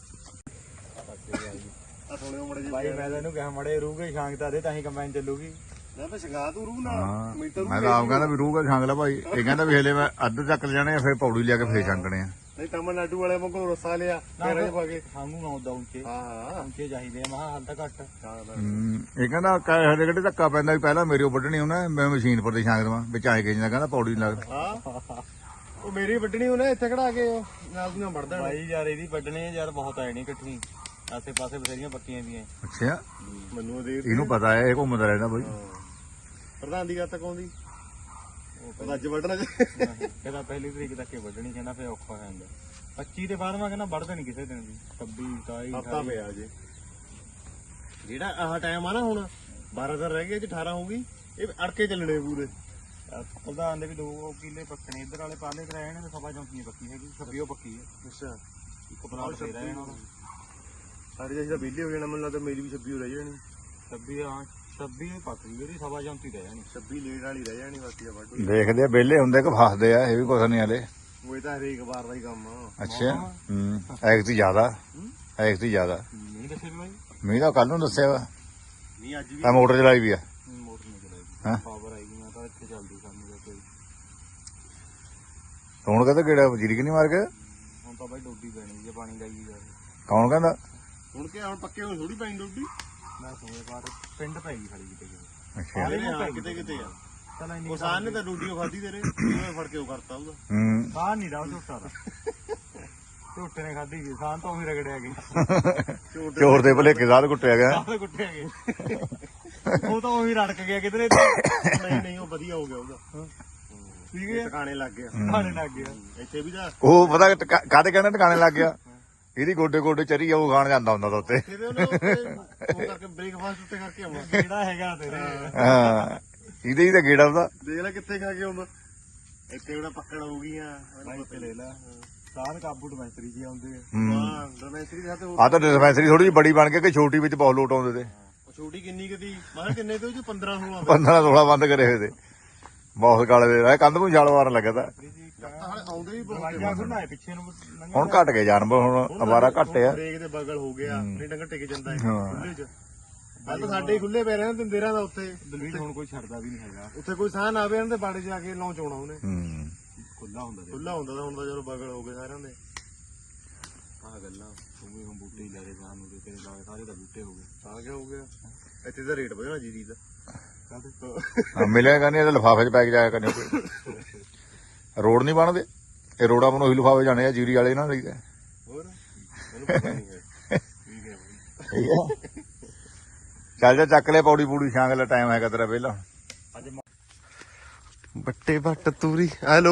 B: ਆ ਥੋੜੇ ਮੜੇ ਜੀ
C: ਭਾਈ ਮੈਂ ਤੈਨੂੰ ਕਿਹਾ ਮੜੇ ਰੂਗੇ ਸ਼ਾਂਗਤਾ ਦੇ ਤਾਂ ਹੀ ਕੰਬਾਈਨ ਚੱਲੂਗੀ।
B: ਮੈਂ ਤਾਂ ਸ਼ਿੰਗਾ ਤੂੰ ਰੂ ਨਾਲ
A: ਹਾਂ
B: ਮੀਟਰ
A: ਮੈਂ ਤਾਂ ਆਪ ਕਹਿੰਦਾ ਵੀ ਰੂਗਾ ਛਾਂਗ ਲੈ ਭਾਈ। ਇਹ ਕਹਿੰਦਾ ਵੀ ਹਲੇ ਮੈਂ ਅੱਧ ਚੱਕ ਲਿਆਣੇ ਆ, ਫਿਰ ਪੌੜੀ ਲਿਆ ਕੇ ਫੇਰ ਛਾਂਗਣੇ ਆ।
B: ਨਹੀਂ ਤਮਿਲਨਾਡੂ ਵਾਲੇ ਵਾਂਗੂ ਰਸਾ ਲਿਆ ਤੇਰੇ ਚ ਪਾ ਕੇ।
C: ਸਾਨੂੰ ਨਾ ਉਦਾਂ ਉੱਚੇ
B: ਹਾਂ
C: ਉੱਚੇ ਚਾਹੀਦੇ ਆ ਮਹਾ ਹੱਦ ਘੱਟ।
A: ਇਹ ਕਹਿੰਦਾ ਹਰੇ ਕਿਹੜੇ ਧੱਕਾ ਪੈਂਦਾ ਵੀ ਪਹਿਲਾਂ ਮੇਰੇ ਵੱਢਣੀ ਉਹਨੇ, ਮੈਂ ਮਸ਼ੀਨ ਪਰ ਤੇ ਛਾਂਗ ਦੇਵਾਂ ਵਿੱਚ ਆਏ ਕੇ ਜਿੰਦਾ ਕਹਿੰਦਾ ਪੌੜੀ ਨਹੀਂ ਲੱਗਦਾ।
B: ਹਾਂ ਉਹ ਮੇਰੀ ਵੱਢਣੀ ਉਹਨੇ ਇੱਥੇ ਖੜਾ ਕੇ ਨਾਲ ਦੀਆਂ ਵੜ ਦੇਣਾ।
C: ਭਾਈ ਯਾਰ ਇਹਦੀ ਵੱਢਣੇ ਯਾਰ ਬਹੁਤ ਆਏ ਨਹੀਂ ਇਕੱਠੀ, ਆਸੇ ਪਾਸੇ ਬਥੇਰੀਆਂ ਪੱਕੀਆਂ ਦੀਆਂ।
A: ਅੱਛਾ
B: ਮੈਨੂੰ ਦੇ
A: ਇਹਨੂੰ ਪਤਾ ਹੈ, ਇਹ ਘੁੰਮਦਾ ਰਹਿੰਦਾ ਬਾਈ।
B: ਪ੍ਰਧਾਨ ਦੀ ਗੱਲ ਤੱਕ ਆਉਂਦੀ ਉਹ ਅੱਜ ਵੱਢਣਾ
C: ਕਹਿੰਦਾ ਪਹਿਲੀ ਤਰੀਕ ਤੱਕ ਹੀ ਵੱਢਣੀ, ਕਹਿੰਦਾ ਫੇਰ ਔਖਾ ਹੋ ਜਾਂਦਾ। 25 ਦੇ ਬਾਅਦ ਮੈਂ ਕਹਿੰਦਾ ਵੱਢਦੇ ਨਹੀਂ ਕਿਸੇ ਦਿਨ ਵੀ। 26 27
B: ਹਫਤਾ ਪਿਆ ਜੇ ਜਿਹੜਾ ਆਹ ਟਾਈਮ ਆ ਨਾ ਹੁਣ 12 ਦਿਨ ਰਹਿ ਗਏ, ਅੱਜ 18 ਹੋ ਗਈ। ਇਹ ਅੜਕੇ ਚੱਲਣੇ ਪੂਰੇ।
C: ਪ੍ਰਧਾਨ ਦੇ ਵੀ 2 ਕਿੱਲੇ ਪੱਕਣੇ, ਇੱਧਰ ਵਾਲੇ ਪਾਲੇ ਤੇ ਰਹਿਣੇ ਤੇ ਸਭਾ ਚੌਂਕੀ ਪੱਕੀ ਹੈਗੀ, 26 ਉਹ ਪੱਕੀ ਹੈ।
B: ਅੱਛਾ
C: ਇੱਕ ਪਲਾਟ ਫੇਰ ਰਹਿਣਾ
B: ਸਾਰੇ ਜਿਹੜਾ ਵਿਹਲੇ ਹੋ ਜਾਣਾ, ਮੈਨੂੰ ਲੱਗਦਾ ਮੇਰੀ ਵੀ 26 ਰਹਿ ਜਾਣੀ।
C: 26 ਹਾਂ 26 ਪੱਕ ਗਈ ਉਹਦੀ, ਸਭਾ ਚੌਂਕੀ ਰਹਿ ਜਾਣੀ।
B: 26 ਲੇਟ ਵਾਲੀ ਰਹਿ ਜਾਣੀ ਬਾਕੀ ਆ ਵੱਢ।
A: ਦੇਖਦੇ ਆ ਵਿਹਲੇ ਹੁੰਦੇ ਕਿ ਫਸਦੇ ਆ, ਇਹ ਵੀ ਕੁਛ ਨਹੀਂ ਹਲੇ।
B: ਉਹ ਇਹ ਤਾਂ ਹਰੇਕ ਵਾਰ ਦਾ ਹੀ ਕੰਮ ਆ।
A: ਅੱਛਾ ਐਕਤੀ ਜ਼ਿਆਦਾ
C: ਨਹੀਂ ਦੱਸੇ ਵੀ ਭਾਈ
A: ਮੀਂਹ ਤਾਂ ਕੱਲ ਨੂੰ ਦੱਸਿਆ ਵਾ।
B: ਨਹੀਂ ਅੱਜ ਵੀ
A: ਤਾਂ ਮੋਟਰ ਚਲਾਈ ਵੀ ਆ।
C: ਮੋਟਰ ਨਹੀਂ ਚਲਾਈ,
A: ਹਾਂ
C: ਪਾਵਰ ਆਈ ਮੈਂ ਤਾਂ ਇੱਥੇ ਚੱਲਦੀ ਸਾਨੂੰ ਦਾ ਕੋਈ।
A: ਹੁਣ ਕਹਿੰਦਾ ਕਿਹੜਾ ਵਜੀਰੀ ਕਿ ਨਹੀਂ ਮਾਰ ਕੇ।
C: ਹੁਣ ਤਾਂ ਭਾਈ ਡੋਡੀ ਪੈਣੀ ਜੇ ਪਾਣੀ ਲਾਈ ਜਾਵੇ।
A: ਕੌਣ ਕਹਿੰਦਾ।
B: ਹੁਣ ਕਿ ਹੁਣ ਪੱਕੇ ਹੁਣ ਥੋੜੀ ਪੈਣੀ ਡੋਡੀ।
C: ਮੈਂ ਸੁਣੇ ਬਾਅਦ ਪਿੰਡ ਪੈ ਗਈ ਖੜੀ ਕਿਤੇ
A: ਅੱਛਾ
B: ਕਿਤੇ ਕਿਤੇ ਆ।
C: ਚਲ ਇੰਨੀ
B: ਉਹ ਸਾਨ ਨੇ ਤਾਂ ਡੋਡੀ ਖਾਦੀ ਤੇਰੇ ਉਹ ਫੜ ਕੇ ਉਹ ਕਰਤਾ ਉਹਦਾ।
A: ਹੂੰ
C: ਬਾਹਰ ਨਹੀਂ ਰਹਾ ਝੋਟਾ ਦਾ ਝੋਟੇ ਨੇ ਖਾਧੀ ਗਈ ਸਾਂ ਤਾਂ ਉਹੀ ਰਗੜਿਆ ਗਈ
A: ਚੋਰ ਦੇ ਭਲੇਕੇ ਸਾਧ ਕੁੱਟਿਆ ਗਿਆ
C: ਸਾਹ ਕੁੱਟਿਆ ਗਏ ਉਹ ਤਾਂ ਉਹੀ ਰੜਕ ਗਿਆ ਕਿਧਰੇ ਤੇ
B: ਨਹੀਂ ਨਹੀਂ ਉਹ ਵਧੀਆ ਹੋ ਗਿਆ ਉਹਦਾ
C: ਠੀਕ ਹੈ
B: ਟਿਕਾਣੇ ਲੱਗ ਗਿਆ
C: ਖਾਣੇ ਲੱਗ ਗਿਆ
B: ਇੱਥੇ ਵੀ ਤਾਂ
A: ਉਹ ਪਤਾ ਕਾਹਦੇ ਕਹਿੰਦੇ ਟਿਕਾਣੇ ਲੱਗ ਗਿਆ ਇਹਦੀ ਗੋਡੇ ਗੋਡੇ ਚਰੀ ਆ ਉਹ ਖਾਣ ਜਾਂਦਾ ਹੁੰਦਾ ਤਾਂ ਉੱਤੇ
B: ਕਿਤੇ ਉਹਨੇ ਉੱਤੇ ਉਹ ਕਰਕੇ ਬ੍ਰੇਕਫਾਸਟ ਉੱਤੇ ਕਰਕੇ ਆਉਣਾ
C: ਜਿਹੜਾ ਹੈਗਾ ਤੇਰੇ
A: ਹਾਂ ਇਹਦੇ ਹੀ ਤਾਂ ਗੇੜਾ ਉਹਦਾ
B: ਦੇਖ ਲੈ ਕਿੱਥੇ ਖਾ ਕੇ ਆਉਂਦਾ ਇੱਥੇ ਉਹਦਾ ਪੱਕੜ ਹੋ ਗਈਆਂ
C: ਬਾਈ ਤੇ ਲੈ ਲੈ ਸਾਧ ਕਾਬੂ ਡਿਸਪੈਂਸਰੀ ਜੀ ਆਉਂਦੇ ਆ
B: ਹਾਂ ਡੋਮੈਸਟਰੀ ਦੇ ਹੱਥ
A: ਆ ਤਾਂ ਡਿਸਪੈਂਸਰੀ ਥੋੜੀ ਜਿਹੀ ਬੜੀ ਬਣ ਕੇ ਕਿ ਛੋਟੀ ਵਿੱਚ ਬਹੁਤ ਲੋਟ ਆਉਂਦੇ ਤੇ
B: ਉਹ ਛੋਟੀ ਕਿੰਨੀ ਕਦੀ ਮੈਂ ਕਿੰਨੇ ਤੇ ਉਹ 'ਚ 15 16
A: 15 16 ਬੰਦ ਕਰੇ ਹੋਏ ਤੇ ਬਹੁਤ ਕਾਲੇ ਦੇ ਰਾਹ ਕੰਧ ਨੂੰ ਛਾਲ ਮਾਰਨ ਲੱਗਾ ਤਾਂ
B: ਹਾਲੇ ਆਉਂਦੇ ਵੀ ਬਹੁਤ
C: ਦਵਾਈਆਂ ਖੁੱਲਾ ਪਿੱਛੇ ਨੂੰ
A: ਹੁਣ ਘਟ ਗਏ ਜਾਨਵਰ ਹੁਣ ਅਵਾਰਾ ਘੱਟ ਆ
B: ਬ੍ਰੇਕ ਦੇ ਬਗਲ ਹੋ ਗਿਆ ਨਹੀਂ ਡੰਗਰ ਟਿਕ ਜਾਂਦਾ ਹੈ ਖੁੱਲੇ 'ਚ ਪਹਿਲਾਂ ਤਾਂ ਸਾਡੇ ਹੀ ਖੁੱਲੇ ਪੈ ਰਹੇ ਨੇ ਦਿੰਦੇਰਾਂ ਦਾ ਉੱਥੇ
C: ਦਲਵੀਰ ਹੁਣ ਕੋਈ ਛੱਡਦਾ ਵੀ ਨਹੀਂ ਹੈਗਾ
B: ਉੱਥੇ ਕੋਈ ਸਾਹ ਨਾ ਆਵੇ ਇਹਨਾਂ ਦੇ ਬਾੜੇ 'ਚ ਆ ਕੇ ਲਾਂਚ ਆਉਣਾ ਉਹਨੇ
A: ਹੂੰ
C: ਖੁੱਲਾ ਹੁੰਦਾ ਤੇ
B: ਖੁੱਲਾ ਹੁੰਦਾ ਤਾਂ ਹੁਣ ਤਾਂ ਜਦੋਂ ਬਗਲ ਹੋ ਗਏ ਸਾਰਿਆਂ ਦੇ
C: ਆਹ ਗੱਲਾਂ ਤੂੰ ਵੀ ਹੁਣ ਬੂਟੇ ਹੀ ਲੈ ਕੇ ਜਾਣ ਨੂੰ ਤੇਰੇ ਨਾਲ ਸਾਰੇ ਦਾ ਬੂਟੇ ਹੋ ਗਏ
B: ਆ ਗਿਆ ਹੋ ਗਿਆ ਇੱਥੇ ਦਾ ਰੇਟ ਵਧਣਾ ਜੀਰੀ ਦਾ
A: ਮਿਲਿਆ ਕਰਨੀ ਇਹਦੇ ਲਿਫਾਫੇ 'ਚ ਪੈ ਕੇ ਜਾਇਆ ਕਰਨੀ ਕੋਈ ਰੋਡ ਨਹੀਂ ਬਣਦੇ ਇਹ ਰੋਡਾਂ ਨੂੰ ਉਹੀ ਲਿਫਾਫੇ ਜਾਣੇ ਆ ਜੀਰੀ ਵਾਲੇ ਨਾਲ ਲਈਦਾ
B: ਹੋਰ ਮੈਨੂੰ ਪਤਾ ਨਹੀਂ ਹੈ ਠੀਕ ਹੈ ਬਈ
A: ਠੀਕ ਆ ਚੱਲ ਜਾ ਚੱਕ ਲੈ ਪੌੜੀ ਪੂੜੀ ਛਾਂਗ ਲੈ ਟਾਈਮ ਹੈਗਾ ਤੇਰਾ ਵਿਹਲਾ
C: ਅੱਜ
B: ਬੱਟੇ ਬੱਟ ਤੂਰੀ ਹੈਲੋ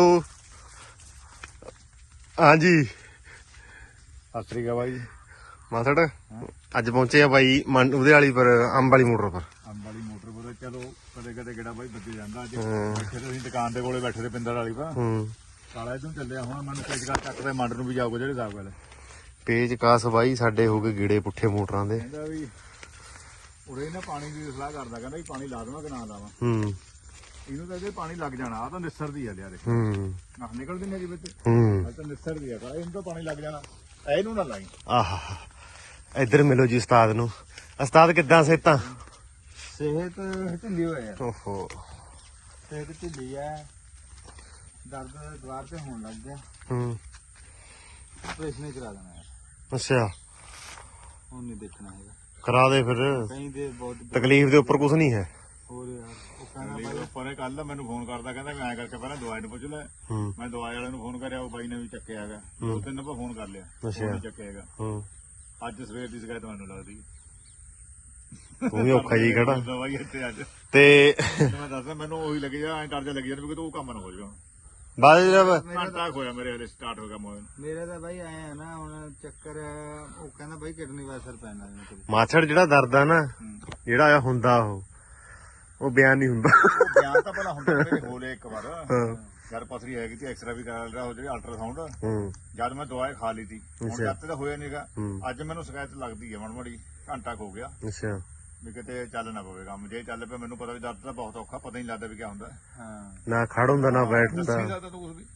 B: ਹਾਂਜੀ
A: ਸਤਿ ਸ੍ਰੀ ਅਕਾਲ ਬਾਈ
B: ਮਾਸੜ ਅੱਜ ਪਹੁੰਚੇ ਆ ਬਾਈ ਉਹਦੇ ਵਾਲੀ ਪਰ ਅੰਬ ਵਾਲੀ ਮੋਟਰ ਪਰ
A: ਅੰਬ ਵਾਲੀ ਮੋਟਰ ਕੋਲ ਚਲੋ ਕਦੇ ਕਦੇ ਗੇੜਾ ਬਾਈ ਬੱਜੇ ਜਾਂਦਾ ਅੱਜ ਬੈਠੇ ਤੇ ਅਸੀਂ ਦੁਕਾਨ ਦੇ ਕੋਲੇ ਬੈਠੇ ਤੇ ਪਿੰਦਰ ਵਾਲੀ ਪਾ ਕਾਲਾ ਇਦੋਂ ਚੱਲਿਆ ਹੁਣ ਮੈਨੂੰ ਤੇਜਗਾ ਚੱਕਦੇ ਮੰਡ ਨੂੰ ਵੀ ਜਾਊਗਾ ਜਿਹੜੇ ਹਿਸਾਬ ਵਾਲੇ
B: ਪੇਜ ਕਾਸ ਬਾਈ ਸਾਡੇ ਹੋ ਗਏ ਗੀੜੇ ਪੁੱਠੇ ਮੋਟਰਾਂ ਦੇ
A: ਕਹਿੰਦਾ ਵੀ ਉਰੇ ਨਾ ਪਾਣੀ ਦੀ ਸਲਾਹ ਕਰਦਾ ਕਹਿੰਦਾ ਵੀ ਪਾਣੀ ਲਾ ਦੇਵਾਂ ਕਿ ਨਾ ਲਾਵਾਂ ਇਹਨੂੰ ਤਾਂ ਇਹਦੇ ਪਾਣੀ ਲੱਗ ਜਾਣਾ ਆ ਤਾਂ ਨਿਸਰਦੀ ਆ ਲਿਆ ਦੇ ਨਾ ਨਿਕਲਦੀ ਨਹੀਂ ਵਿੱਚ ਆ ਤਾਂ ਨਿਸਰਦੀ ਆ ਇਹਨੂੰ ਤਾਂ ਪਾਣੀ ਲੱਗ ਜਾਣਾ ਇਹਨੂੰ ਨਾ ਲਾਈ
B: ਆਹ ਇੱਧਰ ਮਿਲੋ ਜੀ ਉਸਤਾਦ ਨੂੰ ਉਸਤਾਦ ਕਿੱਦਾਂ ਸਿਹਤਾਂ
C: ਸਿਹਤ ਢਿੱਲੀ ਹੋਇਆ
B: ਓਹੋ
C: ਸਿਹਤ ਢਿੱਲੀ ਆ ਦਰਦ ਦੁਆਰ ਤੇ ਹੋਣ ਲੱਗ ਗਿਆ ਆਪਰੇਸ਼ਨ ਕਰਾ ਦੇਣਾ ਯਾਰ
B: ਅੱਛਾ
C: ਹੁਣ ਨਹੀਂ ਦੇਖਣਾ ਹੈਗਾ
B: ਕਰਾ ਦੇ ਫਿਰ
C: ਕहीं ਦੇ ਬਹੁਤ
B: ਤਕਲੀਫ ਦੇ ਉੱਪਰ ਕੁਝ ਨਹੀਂ ਹੈ
C: ਹੋਰ ਯਾਰ ਉਹ ਕਹਿੰਦਾ
A: ਬਾਈ ਉੱਪਰ ਕੱਲ ਮੈਨੂੰ ਫੋਨ ਕਰਦਾ ਕਹਿੰਦਾ ਮੈਂ ਐਂ ਕਰਕੇ ਪਹਿਲਾਂ ਦਵਾਈ ਨੂੰ ਪੁੱਛ ਲੈ ਮੈਂ ਦਵਾਈ ਵਾਲੇ ਨੂੰ ਫੋਨ ਕਰਿਆ ਉਹ ਬਾਈ ਨੇ ਵੀ ਚੱਕਿਆ ਹੈਗਾ ਦੋ ਤਿੰਨ ਵਾਰ ਫੋਨ ਕਰ ਲਿਆ ਉਹ ਨਹੀਂ ਚੱਕਿਆ ਹੈਗਾ ਅੱਜ ਸਵੇਰ ਦੀ ਸ਼ਿਕਾਇਤ ਮੈਨੂੰ ਲੱਗਦੀ
B: ਤੂੰ ਵੀ ਔਖਾ ਜੀ ਖੜਾ
A: ਦਵਾਈ ਇੱਥੇ ਅੱਜ
B: ਤੇ
A: ਮੈਂ ਦੱਸਦਾ ਮੈਨੂੰ ਉਹੀ ਲੱਗੀ ਜਾ ਐਂ ਡਰ ਜਾ ਲੱਗੀ ਜਾਂਦਾ ਵੀ ਤੂੰ ਕੰਮ ਨਾ ਹੋ ਜਾਵੇ
B: ਬਾਅਦ ਜਬ
A: ਘੰਟਾ ਹੋਇਆ ਮੇਰੇ ਹਲੇ ਸਟਾਰਟ ਹੋ ਗਿਆ ਮੋਬਾਈਲ
C: ਮੇਰੇ ਤਾਂ ਬਾਈ ਆਏ ਆ ਨਾ ਹੁਣ ਚੱਕਰ ਉਹ ਕਹਿੰਦਾ ਬਾਈ ਕਿਡਨੀ ਵਾਲਾ ਅਸਰ ਪੈਣਾ ਇਹਨੂੰ
B: ਮਾਛੜ ਜਿਹੜਾ ਦਰਦ ਆ ਨਾ ਜਿਹੜਾ ਆ ਹੁੰਦਾ ਉਹ ਬਿਆਨ ਨਹੀਂ ਹੁੰਦਾ
A: ਬਿਆਨ ਤਾਂ ਭਲਾ ਹੁੰਦਾ ਮੇਰੇ ਹੋਲੇ ਇੱਕ ਵਾਰ ਯਾਰ ਪਥਰੀ ਹੈਗੀ ਤੇ ਐਕਸਰਾ ਵੀ ਕਰਾ ਲਿਆ ਉਹ ਜਿਹੜੀ ਅਲਟਰਾਸਾਊਂਡ ਜਦ ਮੈਂ ਦਵਾਈ ਖਾ ਲਈ ਤੀ ਹੁਣ ਜਦ ਤਾਂ ਹੋਇਆ ਨਹੀਂਗਾ ਅੱਜ ਮੈਨੂੰ ਸ਼ਿਕਾਇਤ ਲੱਗਦੀ ਹੈ ਮੜੀ ਘੰਟਾ ਹੋ ਗਿਆ
B: ਅੱਛਾ
A: ਵੀ ਕਿਤੇ ਚੱਲ ਨਾ ਪਵੇ ਕੰਮ ਜੇ ਚੱਲ ਪਿਆ ਮੈਨੂੰ ਪਤਾ ਵੀ ਦਰਦ ਤਾਂ ਬਹੁਤ ਔਖਾ ਪਤਾ ਨਹੀਂ ਲੱਗਦਾ ਵੀ ਕੀ ਹੁੰਦਾ
C: ਹਾਂ
B: ਨਾ ਖੜ ਹੁੰਦਾ ਨਾ ਬੈਠਦਾ
A: ਨਹੀਂ ਲੱਗਦਾ ਤੂੰ ਕੁਝ ਵੀ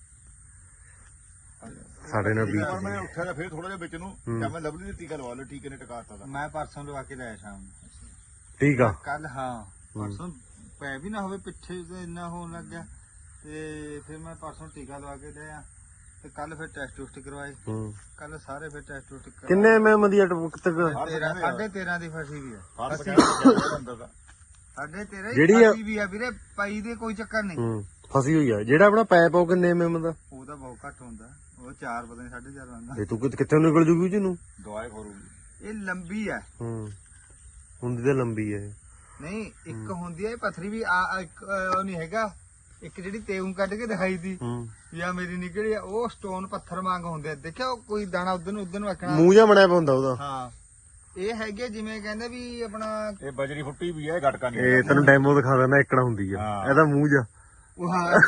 B: ਸਾਡੇ ਨਾਲ ਵੀ
A: ਪਰ ਮੈਂ ਉੱਠਿਆ ਤਾਂ ਫੇਰ ਥੋੜਾ ਜਿਹਾ ਵਿੱਚ ਨੂੰ ਜਾਂ ਮੈਂ ਲਵਲੀ ਦੀ ਟੀਕਾ ਲਵਾ ਲਿਆ ਟੀਕੇ ਨੇ ਟਿਕਾਤਾ ਦਾ
C: ਮੈਂ ਪਰਸੋਂ ਲਵਾ ਕੇ ਲਿਆ ਸ਼ਾਮ ਨੂੰ
B: ਠੀਕ ਆ
C: ਕੱਲ ਹਾਂ ਪਰਸੋਂ ਪੈ ਵੀ ਨਾ ਹੋਵੇ ਪਿੱਛੇ ਤੇ ਇੰਨਾ ਹੋਣ ਲੱਗ ਗਿਆ ਤੇ ਫਿਰ ਮੈਂ ਪਰਸੋਂ ਟੀਕਾ ਲਵਾ ਕੇ ਲਿਆ ਤੇ ਕੱਲ ਫਿਰ ਟੈਸਟ ਟੂਸਟ ਕਰਵਾਏ ਕੱਲ ਸਾਰੇ ਫਿਰ ਟੈਸਟ ਟੂਸਟ ਕਰਵਾਏ
B: ਕਿੰਨੇ ਐਮਐਮ ਦੀ ਤੱਕ
C: 13.5 ਦੀ ਫਸੀ ਵੀ ਆ
A: ਅੰਦਰ ਦਾ
C: 13.5
B: ਜਿਹੜੀ ਆ-
C: ਫਸੀ ਵੀ ਆ ਵੀਰੇ ਪਾਈ ਦੇ ਕੋਈ ਚੱਕਰ ਨਹੀਂ
B: ਫਸੀ ਹੋਈ ਆ ਜਿਹੜਾ ਆਪਣਾ ਪੈਪ ਉਹ ਕਿੰਨੇ ਐਮਐਮ ਦਾ
C: ਉਹ ਤਾਂ ਬਹੁਤ ਘੱਟ ਹੁੰਦਾ ਉਹ 4 ਪਤਾ ਨਹੀਂ 4.5 ਆਉਂਦਾ
B: ਇਹ ਤੂੰ ਕਿੱਥੇ ਨਿਕਲ ਜੂਗੀ ਜਿਹਨੂੰ
A: ਦਵਾਈ ਖੋਰੂਗੀ
C: ਇਹ ਲੰਬੀ ਆ
B: ਹੁੰਦੀ ਤਾਂ ਲੰਬੀ ਹੈ
C: ਨਹੀਂ ਇੱਕ ਹੁੰਦੀ ਆ ਇਹ ਪਥਰੀ ਵੀ ਆ ਇੱਕ ਉਹ ਨਹੀਂ ਹੈਗਾ ਇੱਕ ਜਿਹੜੀ ਤੇਉਂ ਕੱਢ ਕੇ ਦਿਖਾਈ ਦੀ ਵੀ ਆ ਮੇਰੀ ਨਿਕਲੀ ਆ ਉਹ ਸਟੋਨ ਪੱਥਰ ਵਾਂਗ ਹੁੰਦੇ ਆ ਦੇਖਿਆ ਉਹ ਕੋਈ ਦਾਣਾ ਉਧਰ ਨੂੰ ਰੱਖਣਾ
B: ਮੂੰਹ ਜਿਹਾ ਬਣਿਆ ਹੁੰਦਾ ਉਹਦਾ
C: ਹਾਂ ਇਹ ਹੈਗੇ ਜਿਵੇਂ ਕਹਿੰਦੇ ਵੀ ਆਪਣਾ
A: ਇਹ ਬਜਰੀ ਫੁੱਟੀ ਵੀ ਹੈ ਗਟਕਾ ਨਹੀਂ
B: ਇਹ ਤੈਨੂੰ ਡੈਮੋ ਦਿਖਾ ਦਿੰਦਾ ਇੱਕੜਾ ਹੁੰਦੀ ਆ ਇਹਦਾ ਮੂੰਹ ਜਿਹਾ
C: ਉਹ ਹਾਂ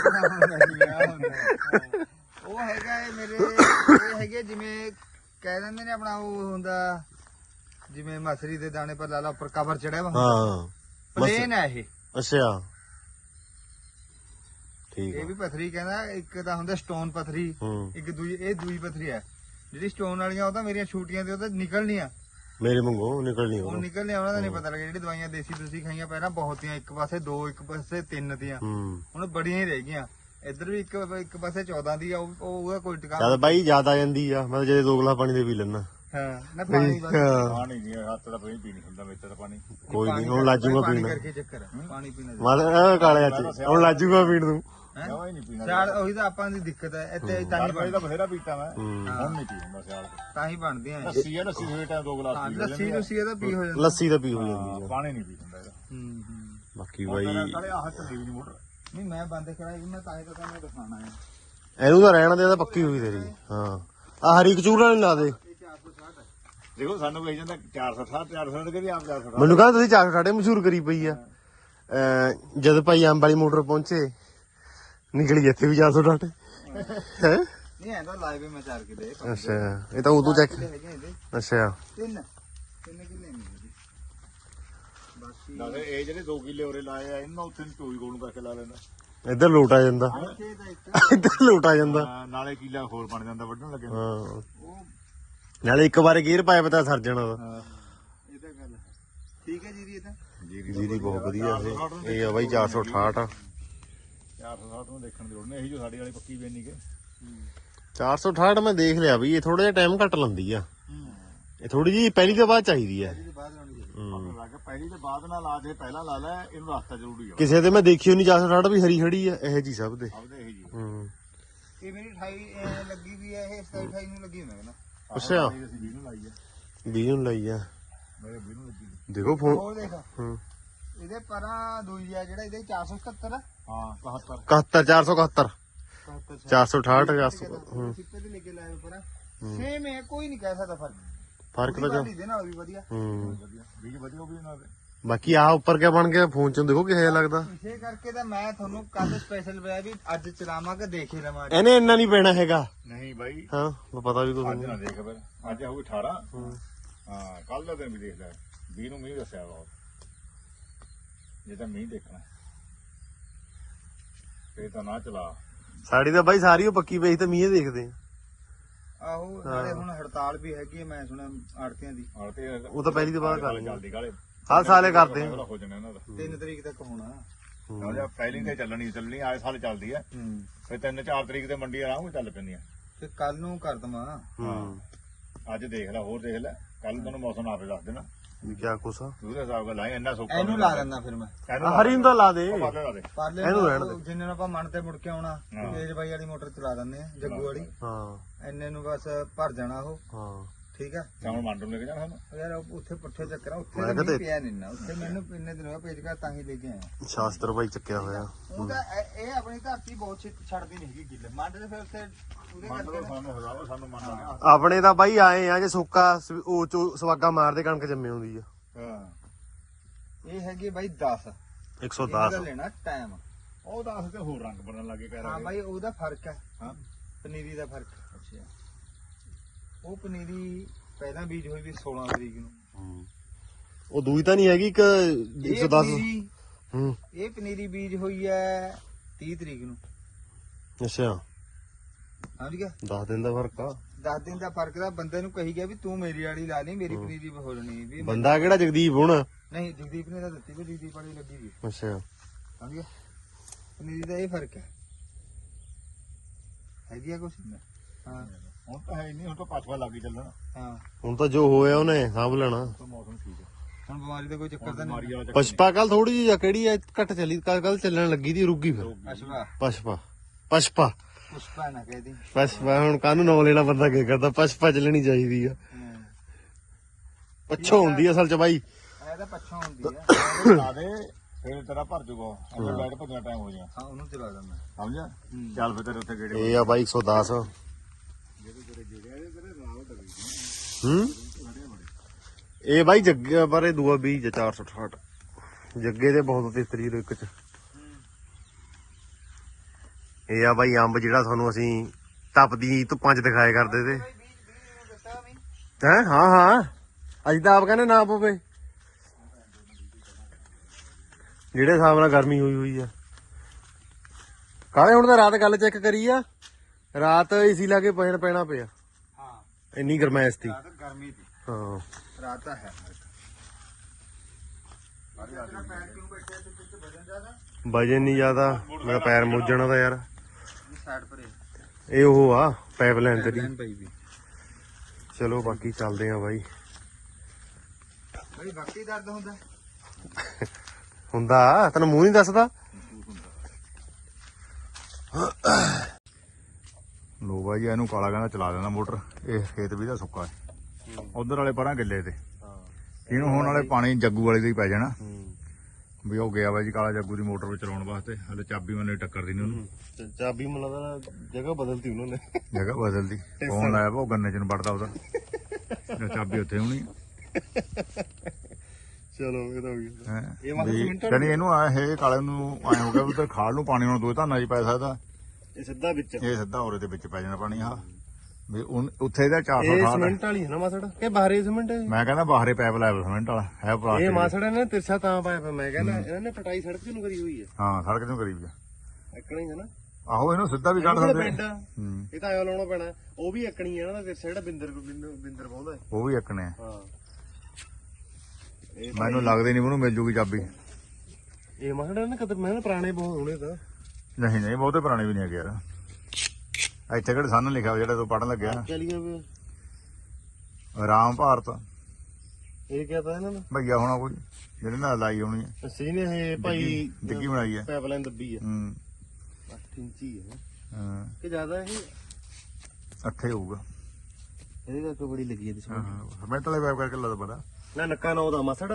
C: ਉਹ ਹੈਗਾ ਇਹ ਮੇਰੇ ਇਹ ਹੈਗੇ ਜਿਵੇਂ ਕਹਿ ਦਿੰਦੇ ਨੇ ਆਪਣਾ ਉਹ ਹੁੰਦਾ ਜਿਵੇਂ ਮਸਰੀ ਦੇ ਦਾਣੇ ਪਰ ਲਾਲਾ ਉੱਪਰ ਕਵਰ ਚੜਿਆ ਵਾ
B: ਹਾਂ
C: ਪਲੇਨ ਹੈ ਇਹ
B: ਅੱਛਾ ਠੀਕ
C: ਇਹ ਵੀ ਪਥਰੀ ਕਹਿੰਦਾ ਇੱਕ ਤਾਂ ਹੁੰਦਾ ਸਟੋਨ ਪਥਰੀ ਇੱਕ ਦੂਜੀ ਇਹ ਦੂਈ ਪਥਰੀ ਹੈ ਜਿਹੜੀ ਸਟੋਨ ਵਾਲੀਆਂ ਉਹ ਤਾਂ ਮੇਰੀਆਂ ਛੂਟੀਆਂ ਤੇ ਉਹ ਤਾਂ ਨਿਕਲਣੀਆਂ
B: ਮੇਰੇ ਵਾਂਗੂ ਨਿਕਲਣੀ
C: ਉਹ ਨਿਕਲਣੀਆਂ ਉਹਨਾਂ ਦਾ ਨਹੀਂ ਪਤਾ ਲੱਗਿਆ ਜਿਹੜੀ ਦਵਾਈਆਂ ਦੇਸੀ ਤੁਸੀਂ ਖਾਈਆਂ ਪਹਿਲਾਂ ਬਹੁਤੀਆਂ ਇੱਕ ਪਾਸੇ 2 ਇੱਕ ਪਾਸੇ 3 ਦੀਆਂ ਹੁਣ ਬੜੀਆਂ ਹੀ ਰਹਿ ਗਈਆਂ ਇੱਧਰ ਵੀ ਇੱਕ ਪਾਸੇ 14 ਦੀ ਆ ਉਹਦਾ ਕੋਈ ਟਿਕਾਣਾ
B: ਜਦ ਬਾਈ ਜ਼ਿਆਦਾ ਜਾਂਦੀ ਆ ਮੈਂ ਜੇ 2 ਗਲਾਸ ਪਾਣੀ ਦੇ ਪੀ ਲੈਣਾ
C: ਹਾਂ ਨਾ ਪਾਣੀ ਬਸ
A: ਪਾਣੀ ਨਹੀਂ ਹੱਥ ਦਾ ਪੀਣੀ ਹੁੰਦਾ ਵਿੱਚ ਤਾਂ ਪਾਣੀ
B: ਕੋਈ ਨਹੀਂ ਹੁਣ ਲਾਜੂਗਾ
C: ਪਾਣੀ
B: ਪੀਣਾ
C: ਕਰਕੇ ਚੱਕਰ ਹੈ ਪਾਣੀ ਪੀਣਾ
B: ਮਾਲ ਕਾਲੇ ਅੱਜ ਹੁਣ ਲਾਜੂਗਾ ਪੀਣ ਤੂੰ
A: ਜਮਾ ਹੀ ਨਹੀਂ ਪੀਣਾ
C: ਸਿਆਲ ਉਹੀ ਤਾਂ ਆਪਾਂ ਦੀ ਦਿੱਕਤ ਹੈ ਇੱਥੇ ਤਾਂ ਹੀ
A: ਤਾਂ ਬਥੇਰਾ ਪੀਤਾ ਮੈਂ ਹੁਣ ਨਹੀਂ ਪੀਂਦਾ ਸਿਆਲ
C: ਤਾਂ ਹੀ ਬਣਦੇ ਆ
A: ਲੱਸੀ ਆ ਲੱਸੀ ਦੇ ਟਾਈਮ 2 ਗਲਾਸ ਪੀ ਲੈਂਦੇ
C: ਲੱਸੀ ਲੁੱਸੀ ਇਹਦਾ ਪੀ ਹੋ ਜਾਂਦਾ
B: ਲੱਸੀ ਤਾਂ ਪੀ ਹੋ ਜਾਂਦੀ ਆ
A: ਪਾਣੀ ਨਹੀਂ ਪੀ ਹੁੰਦਾ ਇਹਦਾ
B: ਬਾਕੀ ਬਾਈ
A: ਨਾਲੇ ਆਹ ਚੱਲੀ ਵੀ ਨਹੀਂ ਮੋਟਰ
C: ਨਹੀਂ ਮੈਂ ਬੰਦ ਕਰਾਈ ਮੈਂ ਤਾਂ ਹੀ ਤਾਂ ਤੁਹਾਨੂੰ ਦਿਖਾਣਾ ਹੈ
B: ਇਹਨੂੰ ਤਾਂ ਰਹਿਣ ਦੇ ਤਾਂ ਪੱਕੀ ਹੋਈ ਤੇਰੀ ਹਾਂ ਆ ਹਰੀ ਕਚੂਰ ਵਾਲੀ ਲਾ ਦੇ
C: ਇਹ 460 ਹੈ
A: ਦੇਖੋ ਸਾਨੂੰ ਕਹੀ ਜਾਂਦਾ 460 460 ਕਹਿੰਦੇ ਆਪ 460
B: ਮੈਨੂੰ ਕਹਿੰਦਾ ਤੁਸੀਂ 460 ਮਸ਼ਹੂਰ ਕਰੀ ਪਈ ਆ ਜਦ ਭਾਈ ਅੰਬ ਵਾਲੀ ਮੋਟਰ ਪਹੁੰਚੇ ਨਿਕਲੀ ਇੱਥੇ ਵੀ 460 ਹੈ
C: ਨਹੀਂ ਐਂਦਾ ਲਾਈਵ ਮੈਂ 4 ਕਿਲੇ
B: ਅੱਛਾ ਇਹ ਤਾਂ ਉਦੋਂ ਚੈੱਕ
C: ਹੈਗੇ ਇਹਦੇ
B: ਅੱਛਾ
C: 3 ਕਿਲੇ ਨਹੀਂ ਬਾਕੀ
A: ਨਾਲੇ ਇਹ ਜਿਹੜੇ 2 ਕਿੱਲੇ ਉਰੇ ਲਾਏ ਆ ਇਹਨਾਂ ਉੱਥੇ ਚੋਈ ਗੋਲ ਨੂੰ ਕਰਕੇ ਲਾ ਲੈਂਦਾ
B: ਇੱਧਰ ਲੋਟ ਆ ਜਾਂਦਾ
C: ਇੱਥੇ ਤਾਂ ਇੱਕ
B: ਇੱਧਰ ਲੋਟ ਆ ਜਾਂਦਾ
A: ਨਾਲੇ ਕਿੱਲਾ ਹੋਰ ਬਣ ਜਾਂਦਾ ਵੱਢਣ ਲੱਗੇ
B: ਹਾਂ
C: ਉਹ
B: ਨਾਲੇ ਇੱਕ ਵਾਰ ਗੇਅਰ ਪਾਇਆ ਪਤਾ ਸਰ ਜਾਣਾ ਦਾ
C: ਇਹ ਤਾਂ ਗੱਲ ਹੈ ਠੀਕ ਹੈ ਜੀ ਇਹ ਤਾਂ
B: ਜੀਰੀ ਬਹੁਤ ਵਧੀਆ ਇਹ ਆ ਬਾਈ 468
A: 460 ਨੂੰ ਦੇਖਣ ਦੀ ਲੋੜ ਨਹੀਂ ਇਹੀ ਜੋ ਸਾਡੀ ਵਾਲੀ ਪੱਕੀ ਵੇਨੀ ਕੇ
B: 468 ਮੈਂ ਦੇਖ ਲਿਆ ਵੀ ਇਹ ਥੋੜਾ ਜਿਹਾ ਟਾਈਮ ਘੱਟ ਲੰਦੀ ਆ ਇਹ ਥੋੜੀ ਜੀ ਪਹਿਲੀ ਤੋਂ ਬਾਅਦ ਚਾਹੀਦੀ ਆ
C: ਇਹਦੇ ਬਾਅਦ ਲਾਉਣੀ ਚਾਹੀਦੀ
A: ਆਪਣੇ ਲੱਗ ਪਹਿਲੀ ਤੇ ਬਾਅਦ ਨਾਲ ਲਾ ਦੇ ਪਹਿਲਾਂ ਲਾ ਲੈ ਇਹਨੂੰ ਰਸਤਾ ਜ਼ਰੂਰੀ ਆ
B: ਕਿਸੇ ਤੇ ਮੈਂ ਦੇਖੀ ਨਹੀਂ 468 ਵੀ ਹਰੀ ਖੜੀ ਆ ਇਹ ਜੀ ਸਭ ਦੇ
A: ਆਪਦੇ ਇਹੀ ਜੀ
C: ਇਹ ਮੇਰੀ 28 ਲੱਗੀ ਵੀ ਹੈ ਇਹ 27 28 ਨੂੰ ਲੱਗੀ ਮੈਂ ਕਹਿੰਦਾ
B: ਅੱਛਾ
A: ਅਸੀਂ 20 ਨੂੰ ਲਾਈ ਆ
B: 20 ਨੂੰ ਲਈ ਆ
A: ਮੇਰੇ 20 ਨੂੰ ਲੱਗੀ
B: ਦੇਖੋ ਫੋਨ
C: ਹੋਰ ਦੇਖ
B: ਹੂੰ
C: ਇਹਦੇ ਪਰਾਂ ਦੂਜੀ ਆ ਜਿਹੜਾ ਇਹਦੇ 477
A: ਹਾਂ 71
B: 471
C: 71
B: 468 400 ਹੂੰ
C: ਸਿੱਪੇ ਤੇ ਲੈ ਕੇ ਲਾਏ ਪਰਾਂ ਸੇਮ ਹੈ ਕੋਈ ਨਹੀਂ ਕਹਿ ਸਕਦਾ ਫਰਕ
B: ਫਰਕ ਤਾਂ ਜੋ
C: ਦੇ ਨਾਲ ਵੀ ਵਧੀਆ
B: ਹੂੰ
A: ਵਧੀਆ ਬੀਜ ਵਧੀਆ ਉਹ ਵੀ ਇਹਨਾਂ ਦੇ
B: ਬਾਕੀ ਆ ਉੱਪਰ ਕਿਆ ਬਣ ਗਿਆ ਫੋਨ ਚੋਂ ਦੇਖੋ ਕਿਹੋ ਜਿਹਾ ਲੱਗਦਾ
C: ਇਸੇ ਕਰਕੇ ਤਾਂ ਮੈਂ ਤੁਹਾਨੂੰ ਕੱਲ ਸਪੈਸ਼ਲ ਪਿਆ ਵੀ ਅੱਜ ਚਲਾਵਾਂ ਕਿ ਦੇਖ ਹੀ ਲਵਾਂ
B: ਇਹਨੇ ਇੰਨਾ ਨਹੀਂ ਪੈਣਾ ਹੈਗਾ
A: ਨਹੀਂ ਬਾਈ
B: ਹਾਂ ਮੈਂ ਪਤਾ ਵੀ ਕੁਝ
A: ਅੱਜ ਨਾ ਦੇਖ ਫਿਰ ਅੱਜ ਹੋਊ 18 ਹਾਂ ਕੱਲ ਦਾ ਦਿਨ ਵੀ ਦੇਖ ਲੈ 20 ਨੂੰ ਮੀਂਹ ਦੱਸਿਆ ਬਹੁਤ ਜੇ ਤਾਂ ਮੀਂਹ ਦੇਖਣਾ ਫੇਰ ਤਾਂ ਨਾ ਚਲਾ
B: ਸਾਡੀ ਤਾਂ ਬਾਈ ਸਾਰੀ ਉਹ ਪੱਕੀ ਪਈ ਤੇ ਮੀਂਹ ਦੇਖਦੇ ਆ
C: ਆਹੋ ਨਾਲੇ ਹੁਣ ਹੜਤਾਲ ਵੀ ਹੈਗੀ ਹੈ ਮੈਂ ਸੁਣਿਆ ਆੜਤੀਆਂ ਦੀ
A: ਹਾਂ ਤੇ
B: ਉਹ ਤਾਂ ਪਹਿਲੀ ਤੋਂ ਬਾਅਦ ਕਰ
A: ਜਲਦੀ ਕਾਲੇ
B: ਹਰ ਸਾਲੇ ਕਰਦੇ ਆ
A: ਹੋ ਜਾਣਾ ਇਹਨਾਂ ਦਾ
C: 3 ਤਰੀਕ ਤੱਕ ਹੋਣਾ
A: ਨਾ ਜਾਂ ਪਹਿਲੀ ਤੇ ਚੱਲਣੀ ਆਏ ਸਾਲ ਚੱਲਦੀ ਹੈ ਫਿਰ 3-4 ਤਰੀਕ ਤੇ ਮੰਡੀ ਆਰਾਮ ਨਾਲ ਚੱਲ ਪੈਂਦੀਆਂ
C: ਤੇ ਕੱਲ ਨੂੰ ਕਰ ਦਵਾਂ
B: ਹੂੰ
A: ਅੱਜ ਦੇਖ ਲੈ ਹੋਰ ਦੇਖ ਲੈ ਕੱਲ ਤੁਹਾਨੂੰ ਮੌਸਮ ਆਪੇ ਦੱਸ ਦੇਣਾ
B: ਵੀ ਕਿਆ ਕੁਛ ਆ
A: ਉਹਦੇ ਹਿਸਾਬ ਨਾਲ ਲਾਏ ਇੰਨਾ ਸੌਖਾ
C: ਇਹਨੂੰ ਲਾ ਦਿੰਦਾ ਫਿਰ ਮੈਂ
B: ਹਰੀ ਨੂੰ ਤਾਂ ਲਾ ਦੇ
A: ਲਾ ਦੇ
C: ਪਾਲੇ
B: ਇਹਨੂੰ ਰਹਿਣ ਦੇ।
C: ਜਿੰਨੇ ਨੂੰ ਆਪਾਂ ਮਨ ਤੇ ਮੁੜ ਕੇ ਆਉਣਾ ਤੇਜ ਬਾਈ ਵਾਲੀ ਮੋਟਰ ਚਲਾ ਦਿੰਦੇ ਆ ਜੱਗੂ ਵਾਲੀ
B: ਹਾਂ
C: ਇੰਨੇ ਨੂੰ ਬਸ ਭਰ ਜਾਣਾ ਉਹ
B: ਹਾਂ
C: ਠੀਕ ਆ
A: ਸ਼ਾਮ ਮੰਡ ਨੂੰ ਲੈ ਕੇ ਜਾਣਾ ਸਾਨੂੰ
C: ਯਾਰ ਉੱਥੇ ਪੁੱਠੇ ਚੱਕਰਾਂ ਉੱਥੇ
B: ਮੈਂ
C: ਤਾਂ
B: ਕਿਹਾ
C: ਨਹੀਂ ਪਿਆ ਨਹੀਂ ਨਾ ਉੱਥੇ ਮੈਨੂੰ ਇੰਨੇ ਦਿਨ ਹੋਇਆ ਪੇਜਕਾ ਤਾਂ ਹੀ ਲੈ ਕੇ ਆਇਆ
B: ਸ਼ਾਸਤਰ ਭਾਈ ਚੱਕਿਆ ਹੋਇਆ
C: ਉਹ ਤਾਂ ਇਹ ਆਪਣੀ ਧਰਤੀ ਬਹੁਤ ਛੱਡਦੀ ਨਹੀਂ ਹੈਗੀ ਗਿੱਲ ਮੰਡ ਦੇ ਫਿਰ ਉੱਥੇ ਉਹਦੇ
A: ਮੰਡ
C: ਕਰਕੇ
A: ਨੂੰ ਸਾਨੂੰ ਹਜ਼ਾਰੋਂ ਸਾਨੂੰ ਮੰਨ
B: ਆਪਣੇ ਤਾਂ ਬਾਈ ਆਏ ਆ ਜੇ ਸੁੱਕਾ ਉਹ ਚੋ ਸਵਾਗਾ ਮਾਰਦੇ ਕਣਕ ਜੰਮੇ ਹੁੰਦੀ ਆ
A: ਹਾਂ
C: ਇਹ ਹੈਗੀ ਬਾਈ 10
B: 110
C: ਇਹਦਾ ਲੈਣਾ ਟਾਈਮ
A: ਉਹ ਦੱਸ ਤੇ ਹੋਰ ਰੰਗ ਬਣਨ ਲੱਗੇ ਕਹਿ
C: ਹਾਂ
A: ਰਹੇ
C: ਬਾਈ ਉਹਦਾ ਫਰਕ ਹੈ
A: ਹਾਂ
C: ਪਨੀਰੀ ਦਾ ਫਰਕ
A: ਅੱਛਾ
C: ਉਹ ਪਨੀਰੀ ਪਹਿਲਾਂ ਬੀਜ ਹੋਈ ਵੀ 16 ਤਰੀਕ ਨੂੰ
B: ਉਹ ਦੂਈ ਤਾਂ ਨਹੀਂ ਹੈਗੀ ਇੱਕ
C: ਇਹ
B: 110
C: ਪਨੀਰੀ
B: ਹੂੰ
C: ਇਹ ਪਨੀਰੀ ਬੀਜ ਹੋਈ ਹੈ 30 ਤਰੀਕ ਨੂੰ
B: ਅੱਛਾ
C: ਸਮਝ ਗਿਆ
B: 10 ਦਿਨ ਦਾ ਫਰਕ ਆ
C: 10 ਦਿਨ ਦਾ ਫਰਕ ਦਾ ਬੰਦੇ ਨੂੰ ਕਹੀ ਗਿਆ ਵੀ ਤੂੰ ਮੇਰੀ ਵਾਲੀ ਲਾ ਲਈ ਮੇਰੀ ਪਨੀਰੀ ਹੋ ਜਣੀ ਵੀ
B: ਬੰਦਾ ਕਿਹੜਾ ਜਗਦੀਪ ਹੁਣ
C: ਨਹੀਂ ਜਗਦੀਪ ਨੇ ਤਾਂ ਦਿੱਤੀ ਵੀ ਜਗਦੀਪ ਵਾਲੀ ਲੱਗੀ ਵੀ
B: ਅੱਛਾ
C: ਸਮਝ ਗਿਆ ਪਨੀਰੀ ਦਾ ਇਹ ਫਰਕ ਹੈ ਹੈਗੀ ਆ ਕੁਛ ਹਾਂ
A: ਹੁਣ ਤਾਂ ਹੈ ਨਹੀਂ ਹੁਣ ਤਾਂ ਪਾਛਵਾ ਲੱਗ ਹੀ ਚੱਲਣਾ
C: ਹਾਂ
B: ਹੁਣ ਤਾਂ ਜੋ ਹੋਇਆ ਉਹਨੇ ਸਾਂਭ ਲੈਣਾ
A: ਤਾਂ ਮੌਸਮ ਠੀਕ ਹੈ
C: ਹੁਣ ਬਿਮਾਰੀ ਦਾ ਕੋਈ ਚੱਕਰ ਤਾਂ ਨਹੀਂ
A: ਬਿਮਾਰੀ ਵਾਲਾ
B: ਪਸ਼ਪਾ ਕੱਲ ਥੋੜੀ ਜਿਹੀ ਕਿਹੜੀ ਐ ਘੱਟ ਚੱਲੀ ਕੱਲ ਚੱਲਣ ਲੱਗੀ ਦੀ ਰੁੱਗੀ ਫਿਰ
C: ਅਸ਼ਵਾ
B: ਪਸ਼ਪਾ
C: ਪੁਸ਼ਪਾ ਨਾ ਕਹਿਦੀ
B: ਪਸ਼ਪਾ ਹੁਣ ਕਾਹਨੂੰ ਨਾਂ ਲੈਣਾ ਬੰਦਾ ਕੀ ਕਰਦਾ ਪਸ਼ਪਾ ਚੱਲਣੀ ਚਾਹੀਦੀ ਆ ਪੱਛੋ ਹੁੰਦੀ ਅਸਲ ਚ ਬਾਈ
C: ਇਹ ਤਾਂ ਪੱਛੋਂ ਹੁੰਦੀ ਆ
A: ਲਾ ਦੇ ਫਿਰ ਤੇਰਾ ਭਰ ਜੂਗਾ ਅੰਦਰ ਬੈਠ ਭੱਜਣਾ ਟਾਈਮ ਹੋ ਜਾਣਾ
C: ਹਾਂ ਉਹਨੂੰ ਚਲਾ ਦਿੰਦਾ
A: ਸਮਝਿਆ ਚੱਲ ਫਿਰ ਤੇਰੇ ਉੱਥੇ ਗੇੜੇ
B: ਇਹ ਆ ਬਾਈ 110 ਹੂੰ ਇਹ ਬਾਈ ਜੱਗੇ ਬਾਰੇ ਦੂਆ 20 468 ਜੱਗੇ ਦੇ ਬਹੁਤ ਤੇਤਰੀ ਇੱਕ ਚ ਇਹ ਆ ਬਾਈ ਅੰਬ ਜਿਹੜਾ ਤੁਹਾਨੂੰ ਅਸੀਂ ਤਪਦੀ ਧੁੱਪਾਂ ਚ ਦਿਖਾਏ ਕਰਦੇ ਤੇ ਹੈ ਹਾਂ ਹਾਂ ਅੱਜ ਤਾਂ ਆਪ ਕਹਿੰਦੇ ਨਾ ਪਵੇ ਜਿਹੜੇ ਹਿਸਾਬ ਨਾਲ ਗਰਮੀ ਹੋਈ ਹੋਈ ਆ ਕਾਲੇ ਹੁਣ ਤਾਂ ਰਾਤ ਗੱਲ ਚੈੱਕ ਕਰੀ ਆ ਰਾਤ ਏਸੀ ਲਾ ਕੇ ਪੈਣਾ ਪਿਆ
C: ਹਾਂ
B: ਇੰਨੀ ਗਰਮੈਸ਼ ਸੀ
C: ਰਾਤ ਗਰਮੀ ਦੀ
B: ਹਾਂ
C: ਰਾਤ ਤਾਂ ਹੈ ਤੇਰਾ ਪੈਰ ਕਿਉਂ ਬੈਠਿਆ ਤੇ ਪਿੱਛੇ ਵਜਨ ਜ਼ਿਆਦਾ
B: ਵਜਨ ਨਹੀਂ ਜ਼ਿਆਦਾ ਮੇਰਾ ਪੈਰ ਮੁੱਜਣਾ ਦਾ ਯਾਰ
C: ਸਾਈਡ ਪਰ
B: ਇਹ ਉਹ ਆ ਪਾਈਪਲਾਈਨ ਤੇਰੀ
C: ਲੈਣ ਪਈ ਵੀ
B: ਚਲੋ ਬਾਕੀ ਚੱਲਦੇ ਆ ਬਾਈ
C: ਬਈ ਬਾਕੀ ਦਰਦ ਹੁੰਦਾ
B: ਹੁੰਦਾ ਤੈਨੂੰ ਮੂੰਹ ਨਹੀਂ ਦੱਸਦਾ
A: ਬਾਈ ਇਹਨੂੰ ਕਾਲਾ ਕਹਿੰਦਾ ਚਲਾ ਦੇਣਾ ਮੋਟਰ। ਇਹ ਖੇਤ ਵੀ ਦਾ ਸੁੱਕਾ ਹੈ, ਉਧਰ ਵਾਲੇ ਪਰਾਂ ਗਿੱਲੇ ਤੇ।
B: ਹਾਂ
A: ਇਹਨੂੰ ਹੋਣ ਵਾਲੇ ਪਾਣੀ ਜੱਗੂ ਵਾਲੇ ਦਾ ਹੀ ਪੈ ਜਾਣਾ
B: ਹੂੰ।
A: ਵੀ। ਉਹ ਗਿਆ ਬਾਈ ਜੀ ਕਾਲਾ ਜੱਗੂ ਦੀ ਮੋਟਰ ਵਿੱਚ ਚਲਾਉਣ ਵਾਸਤੇ। ਹਲੇ ਚਾਬੀ ਮੈਨੂੰ ਟੱਕਰਦੀ ਨਹੀਂ ਉਹਨੂੰ,
B: ਚਾਬੀ ਮੈਨੂੰ ਲੱਗਦਾ ਜਗ੍ਹਾ ਬਦਲਤੀ ਉਹਨਾਂ ਨੇ।
A: ਜਗ੍ਹਾ ਬਦਲਦੀ। ਫੋਨ ਲਾਇਆ ਵਾ ਉਹ ਗੰਨੇ ਚ ਨੂੰ ਵੜਦਾ ਉਹਦਾ, ਚਾਬੀ ਉੱਥੇ ਹੋਣੀ।
B: ਚਲੋ ਇਹ ਤਾਂ ਹੋ ਗਿਆ।
A: ਹੈਂ।
B: ਇਹ ਮਤਲਬ
A: ਵੀ
B: ਸੀਮੈਂਟ
A: ਜਾਣੀ ਇਹਨੂੰ ਆਏ ਇਹ ਕਾਲੇ ਨੂੰ ਆਏ ਹੋ ਗਿਆ ਉਧਰ ਖਾਲ ਨੂੰ ਪਾਣੀ ਹੁਣ ਦੋ ਧਾਨਾਂ 'ਚ ਪੈ ਸਕਦਾ।
B: ਇਹ ਸਿੱਧਾ ਵਿੱਚ
A: ਇਹ ਸਿੱਧਾ ਔਰੇ ਦੇ ਵਿੱਚ ਪੈ ਜਾਣਾ ਪਾਣੀ। ਆਹ ਵੀ ਉੱਥੇ ਇਹਦਾ
B: ਇਹ
A: 460
B: ਸੀਮੈਂਟ ਵਾਲੀ ਹੈ ਨਾ ਮਾਸੜ ਕਿ ਬਾਹਰੇ ਸੀਮੈਂਟ ਹੈ?
A: ਮੈਂ ਕਹਿੰਦਾ ਬਾਹਰੇ ਪੈਪ ਲਾਇਆ ਸੀਮੈਂਟ ਵਾਲਾ ਹੈ
B: ਇਹ
A: ਪਲਾਸਟਿਕ।
B: ਮਾਸੜ ਨੇ ਤਿਰਛਾ ਤਾਂ ਪਾਇਆ ਪਿਆ। ਮੈਂ ਕਹਿੰਦਾ ਇਹਨਾਂ ਨੇ ਪਟਾਈ ਸੜਕ ਨੂੰ ਕਰੀ ਹੋਈ ਹੈ।
A: ਹਾਂ ਸੜਕ ਤੋਂ ਕਰੀਬ ਜਾ।
B: ਐਕਣੀ ਹੈ ਨਾ
A: ਆਹੋ ਇਹਨੂੰ ਸਿੱਧਾ ਵੀ ਕੱਢ ਸਕਦੇ।
B: ਪਿੰਡ
A: ਹੂੰ
B: ਇਹ ਤਾਂ ਆਇਆ ਲਾਉਣਾ ਪੈਣਾ। ਉਹ ਵੀ ਐਕਣੀ ਹੈ ਨਾ ਤਿਰਛਾ ਜਿਹੜਾ ਬਿੰਦਰ ਪਾਉਂਦਾ।
A: ਉਹ ਵੀ ਇੱਕਨੇ ਆ।
B: ਹਾਂ
A: ਮੈਨੂੰ ਲੱਗਦੇ ਨਹੀਂ ਉਹਨੂੰ ਮਿਲ ਜੂਗੀ ਚਾਬੀ।
B: ਇਹ ਮਾਸੜ ਨੇ ਕਦਰ ਮੈਂ ਪੁਰਾਣੇ ਬਹੁਤ ਹੋਣੇ ਤਾਂ।
A: ਨਹੀਂ ਨਹੀਂ ਬਹੁਤੇ ਪੁਰਾਣੇ ਵੀ ਨਹੀਂ ਹੈਗੇ ਯਾਰ। ਇੱਥੇ ਕਿਹੜੇ ਸਾਨ ਲਿਖਿਆ ਜਿਹੜਾ ਤੂੰ ਪੜਨ ਲੱਗਿਆ
B: ਚਲੀਏ ਵੇ
A: ਰਾਮ ਭਾਰਤ।
B: ਇਹ ਕਿਹਾ ਤਾਂ ਇਹਨਾਂ ਨੇ
A: ਭਈਆ ਹੋਣਾ ਕੋਈ ਜਿਹੜੇ ਨਾਲ ਲਾਈ ਹੋਣੀ ਹੈ।
B: ਅਸੀਂ ਨੇ ਇਹ ਭਾਈ
A: ਡਿੱਗੀ ਬਣਾਈ ਹੈ।
B: ਪਾਈਪਲਾਈਨ ਦੱਬੀ ਹੈ।
A: ਹੂੰ
B: 8 ਇੰਚੀ ਹੈ
A: ਹਾਂ
B: ਕਿ ਜ਼ਿਆਦਾ ਇਹ
A: ਅੱਠੇ ਹੋਊਗਾ।
B: ਇਹਦੇ ਕਰਕੇ ਬੜੀ ਲੱਗੀ ਹੈ
A: ਹਾਂ ਹਾਂ ਸਮੈਂਟ ਵਾਲੇ ਪੈਪ ਕਰਕੇ ਲੱਗਦਾ ਪਤਾ।
B: ਨਾ ਨੱਕਾ ਨਾ ਉਹਦਾ ਮਾਸੜ।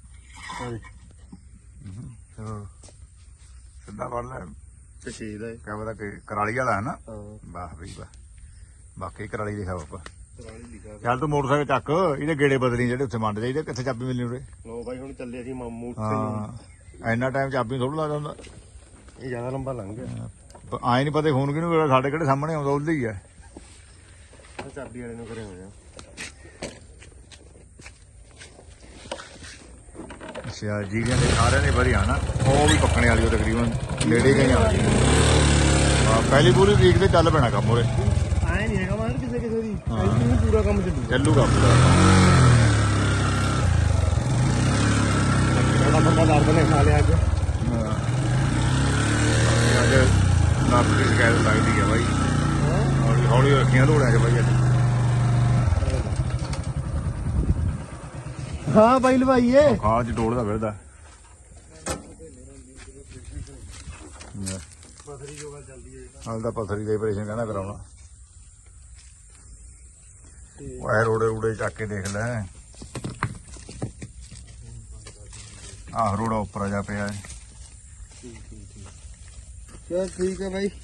A: ਚਲੋ ਸਿੱਧਾ ਫੜ ਲੈ।
B: ਤੇ 6 ਦਾ
A: ਕਿਆ ਪਤਾ ਕਿ ਕਰਾਲੀ ਵਾਲਾ ਹੈ ਨਾ।
B: ਹਾਂ
A: ਵਾਹ ਬਈ ਵਾਹ ਬਾਕੀ ਕਰਾਲੀ ਲਿਖਿਆ ਬਾਪਾ।
B: ਸਰਾਲੀ ਲਿਖਾ।
A: ਚੱਲ ਤੂੰ ਮੋਟਰਸਾਈਕਲ ਚੱਕ ਇਹਦੇ ਗੇੜੇ ਬਦਲੀ ਜਿਹੜੇ ਉੱਥੇ ਮੰਡ ਜਾਈਦੇ। ਕਿੱਥੇ ਚਾਬੀ ਮਿਲਣੀ ਉਰੇ।
B: ਲੋ ਬਾਈ ਹੁਣ ਚੱਲੇ ਅਸੀਂ ਮਾਮੂ ਉੱਥੇ।
A: ਹਾਂ ਇੰਨਾ ਟਾਈਮ ਚਾਬੀ ਥੋੜਾ ਲੱਗਦਾ ਹੁੰਦਾ।
B: ਇਹ ਜ਼ਿਆਦਾ ਲੰਬਾ ਲੰਘ ਗਿਆ।
A: ਆਏ ਨਹੀਂ ਪਤਾ ਫੋਨ ਕਿਹਨੂੰ ਕਰਿਆ। ਸਾਡੇ ਕਿਹੜੇ ਸਾਹਮਣੇ ਆਉਂਦਾ ਉਹਦੇ ਹੀ ਹੈ।
B: ਚਾਬੀ ਵਾਲੇ ਨੂੰ ਕਰੇ ਹੋਇਆ।
A: ਅੱਛਾ ਜੀਰੀਆਂ ਦੇ ਸਾਰਿਆਂ ਦੇ ਵਧੀਆ ਨਾ। ਉਹ ਵੀ ਪੱਕਣੇ ਵਾਲੀ ਉਹ ਤਕਰੀਬਨ ਨੇੜੇ ਗਈ ਆ। ਪਹਿਲੀ ਪੂਰੀ ਵੀਕ ਤੇ ਚੱਲ ਪੈਣਾ ਕੰਮ ਉਰੇ।
B: ਆਏ ਨਹੀਂ ਹੈਗਾ ਮਾਰ ਕਿਸੇ ਕਿਸੇ ਦੀ ਐਂ ਪੂਰਾ ਕੰਮ
A: ਚੱਲੂਗਾ ਪੂਰਾ।
B: ਥੋੜਾ ਬੰਦਾ ਦਰਦ ਨੇ ਖਾ ਲਿਆ ਅੱਜ।
A: ਅੱਜ ਨਰਸ ਦੀ ਸ਼ਿਕਾਇਤ ਲੱਗਦੀ ਹੈ ਬਾਈ। ਹੌਲੀ ਹੌਲੀ ਰੱਖੀਆਂ ਲੋੜਾਂ 'ਚ ਬਾਈ ਅੱਜ।
B: ਹਾਂ ਬਾਈ ਲਵਾਈਏ।
A: ਖਾਲ 'ਚ ਡੋਲਦਾ ਫਿਰਦਾ।
B: ਪਥਰੀ ਜੋਗਾ ਚੱਲਦੀ ਹੈ।
A: ਹਾਲ ਤਾਂ ਪਥਰੀ ਦਾ ਆਪਰੇਸ਼ਨ ਕਹਿੰਦਾ ਕਰਾਉਣਾ। ਉਹ ਰੋੜੇ ਰੂੜੇ ਚੱਕ ਕੇ ਦੇਖ ਲੈ। ਆਹ ਰੋੜਾ ਉੱਪਰ ਜਾ ਪਿਆ ਹੈ।
C: ਚਲ ਠੀਕ ਹੈ ਭਾਈ।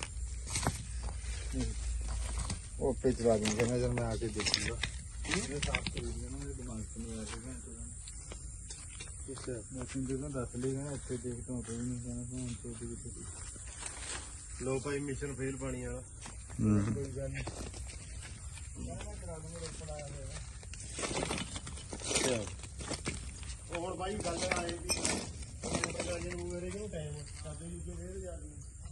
C: ਉਹ ਪੇ ਚਲਾ ਦੇਂਗੇ ਨਜ਼ਰ में आके देखूंगा। ये साफ कर दिया ना मेरे दिमाग से नहीं आया। अच्छा मैं तुम देखो 10 लेगा ना अच्छे देखता हूँ तो नहीं जाना तो हम छोटी छोटी।
B: ਲੋ ਭਾਈ ਮਿਸ਼ਨ ਫੇਲ ਪਾਣੀ ਵਾਲਾ।
C: कोई गल नहीं
B: ਉਹ ਹੁਣ ਬਾਈ ਗੱਲ ਆਏ ਵੀ ਮੋਟਰ ਜੇ ਨੂੰ ਮੇਰੇ ਕਿਉਂ ਟਾਈਮ ਸਾਡੇ ਜੀ ਜੋ ਫੇਰ ਜਾਂਦੀ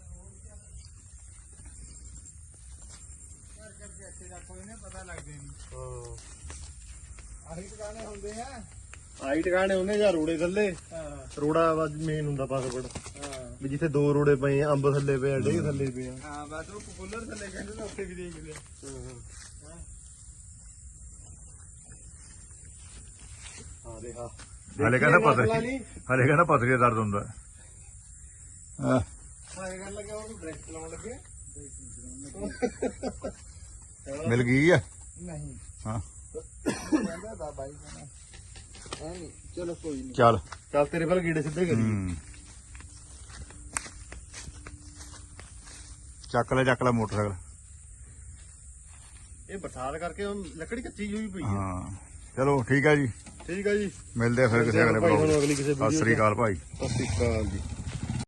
C: करके अच्छे का कोई नहीं पता लग गई।
B: ਹਾਂ
C: आही दुकानें होंगे हैं।
B: ਆਈ ਟਿਕਾਣੇ ਉਹਨੇ ਜਾਂ ਰੋੜੇ ਥੱਲੇ।
C: हाँ
B: ਰੋੜਾ ਮੇਨ ਹੁੰਦਾ ਪਾਸਵਰਡ
C: हाँ
B: ਵੀ ਜਿੱਥੇ 2 ਰੋੜੇ ਪਏ ਆ, ਅੰਬ ਥੱਲੇ ਪਏ ਆ, ਡੇਗ ਥੱਲੇ ਪਏ ਆ।
C: हाँ बस वो कूलर से लेके ना उससे भी देख लिया।
B: ਹਾਂ ਦੇ ਹਾਂ
A: ਹਲੇ ਕਹਿੰਦਾ ਪਥਰੀ ਹਲੇ ਕਹਿੰਦਾ ਪਥਰੀ ਦਾ ਦਰਦ ਹੁੰਦਾ। ਹਾਂ
C: हाँ ये कर लगे और डायरेक्ट चलाने लगे।
A: ਮਿਲ ਗਈ ਆ।
C: नहीं
A: ਹਾਂ
C: कहता था भाई कहना है नहीं। चलो कोई नहीं।
A: ਚੱਲ।
B: ਚੱਲ ਤੇਰੇ ਵੱਲ ਗੀੜੇ ਸਿੱਧੇ ਕਰੀ।
A: ਹੂੰ ਚੱਕ ਲੈ ਮੋਟਰਸਾਈਕਲ।
B: ਇਹ ਬਰਸਾਤ ਕਰਕੇ ਹੁਣ ਲੱਕੜੀ ਕੱਚੀ ਹੋਈ ਪਈ ਹੈ।
A: ਹਾਂ ਚਲੋ ਠੀਕ ਹੈ ਜੀ।
B: ਠੀਕ ਆ ਜੀ।
A: ਮਿਲਦੇ ਆ ਫਿਰ ਕਿਸੇ ਅਗਲੇ
B: ਭਾਈ
A: ਬਲੌਗ
B: ਤੁਹਾਨੂੰ ਅਗਲੀ ਕਿਸੇ
A: ਸਤਿ ਸ੍ਰੀ ਅਕਾਲ ਭਾਈ।
B: ਸਤਿ ਸ੍ਰੀ ਅਕਾਲ ਜੀ।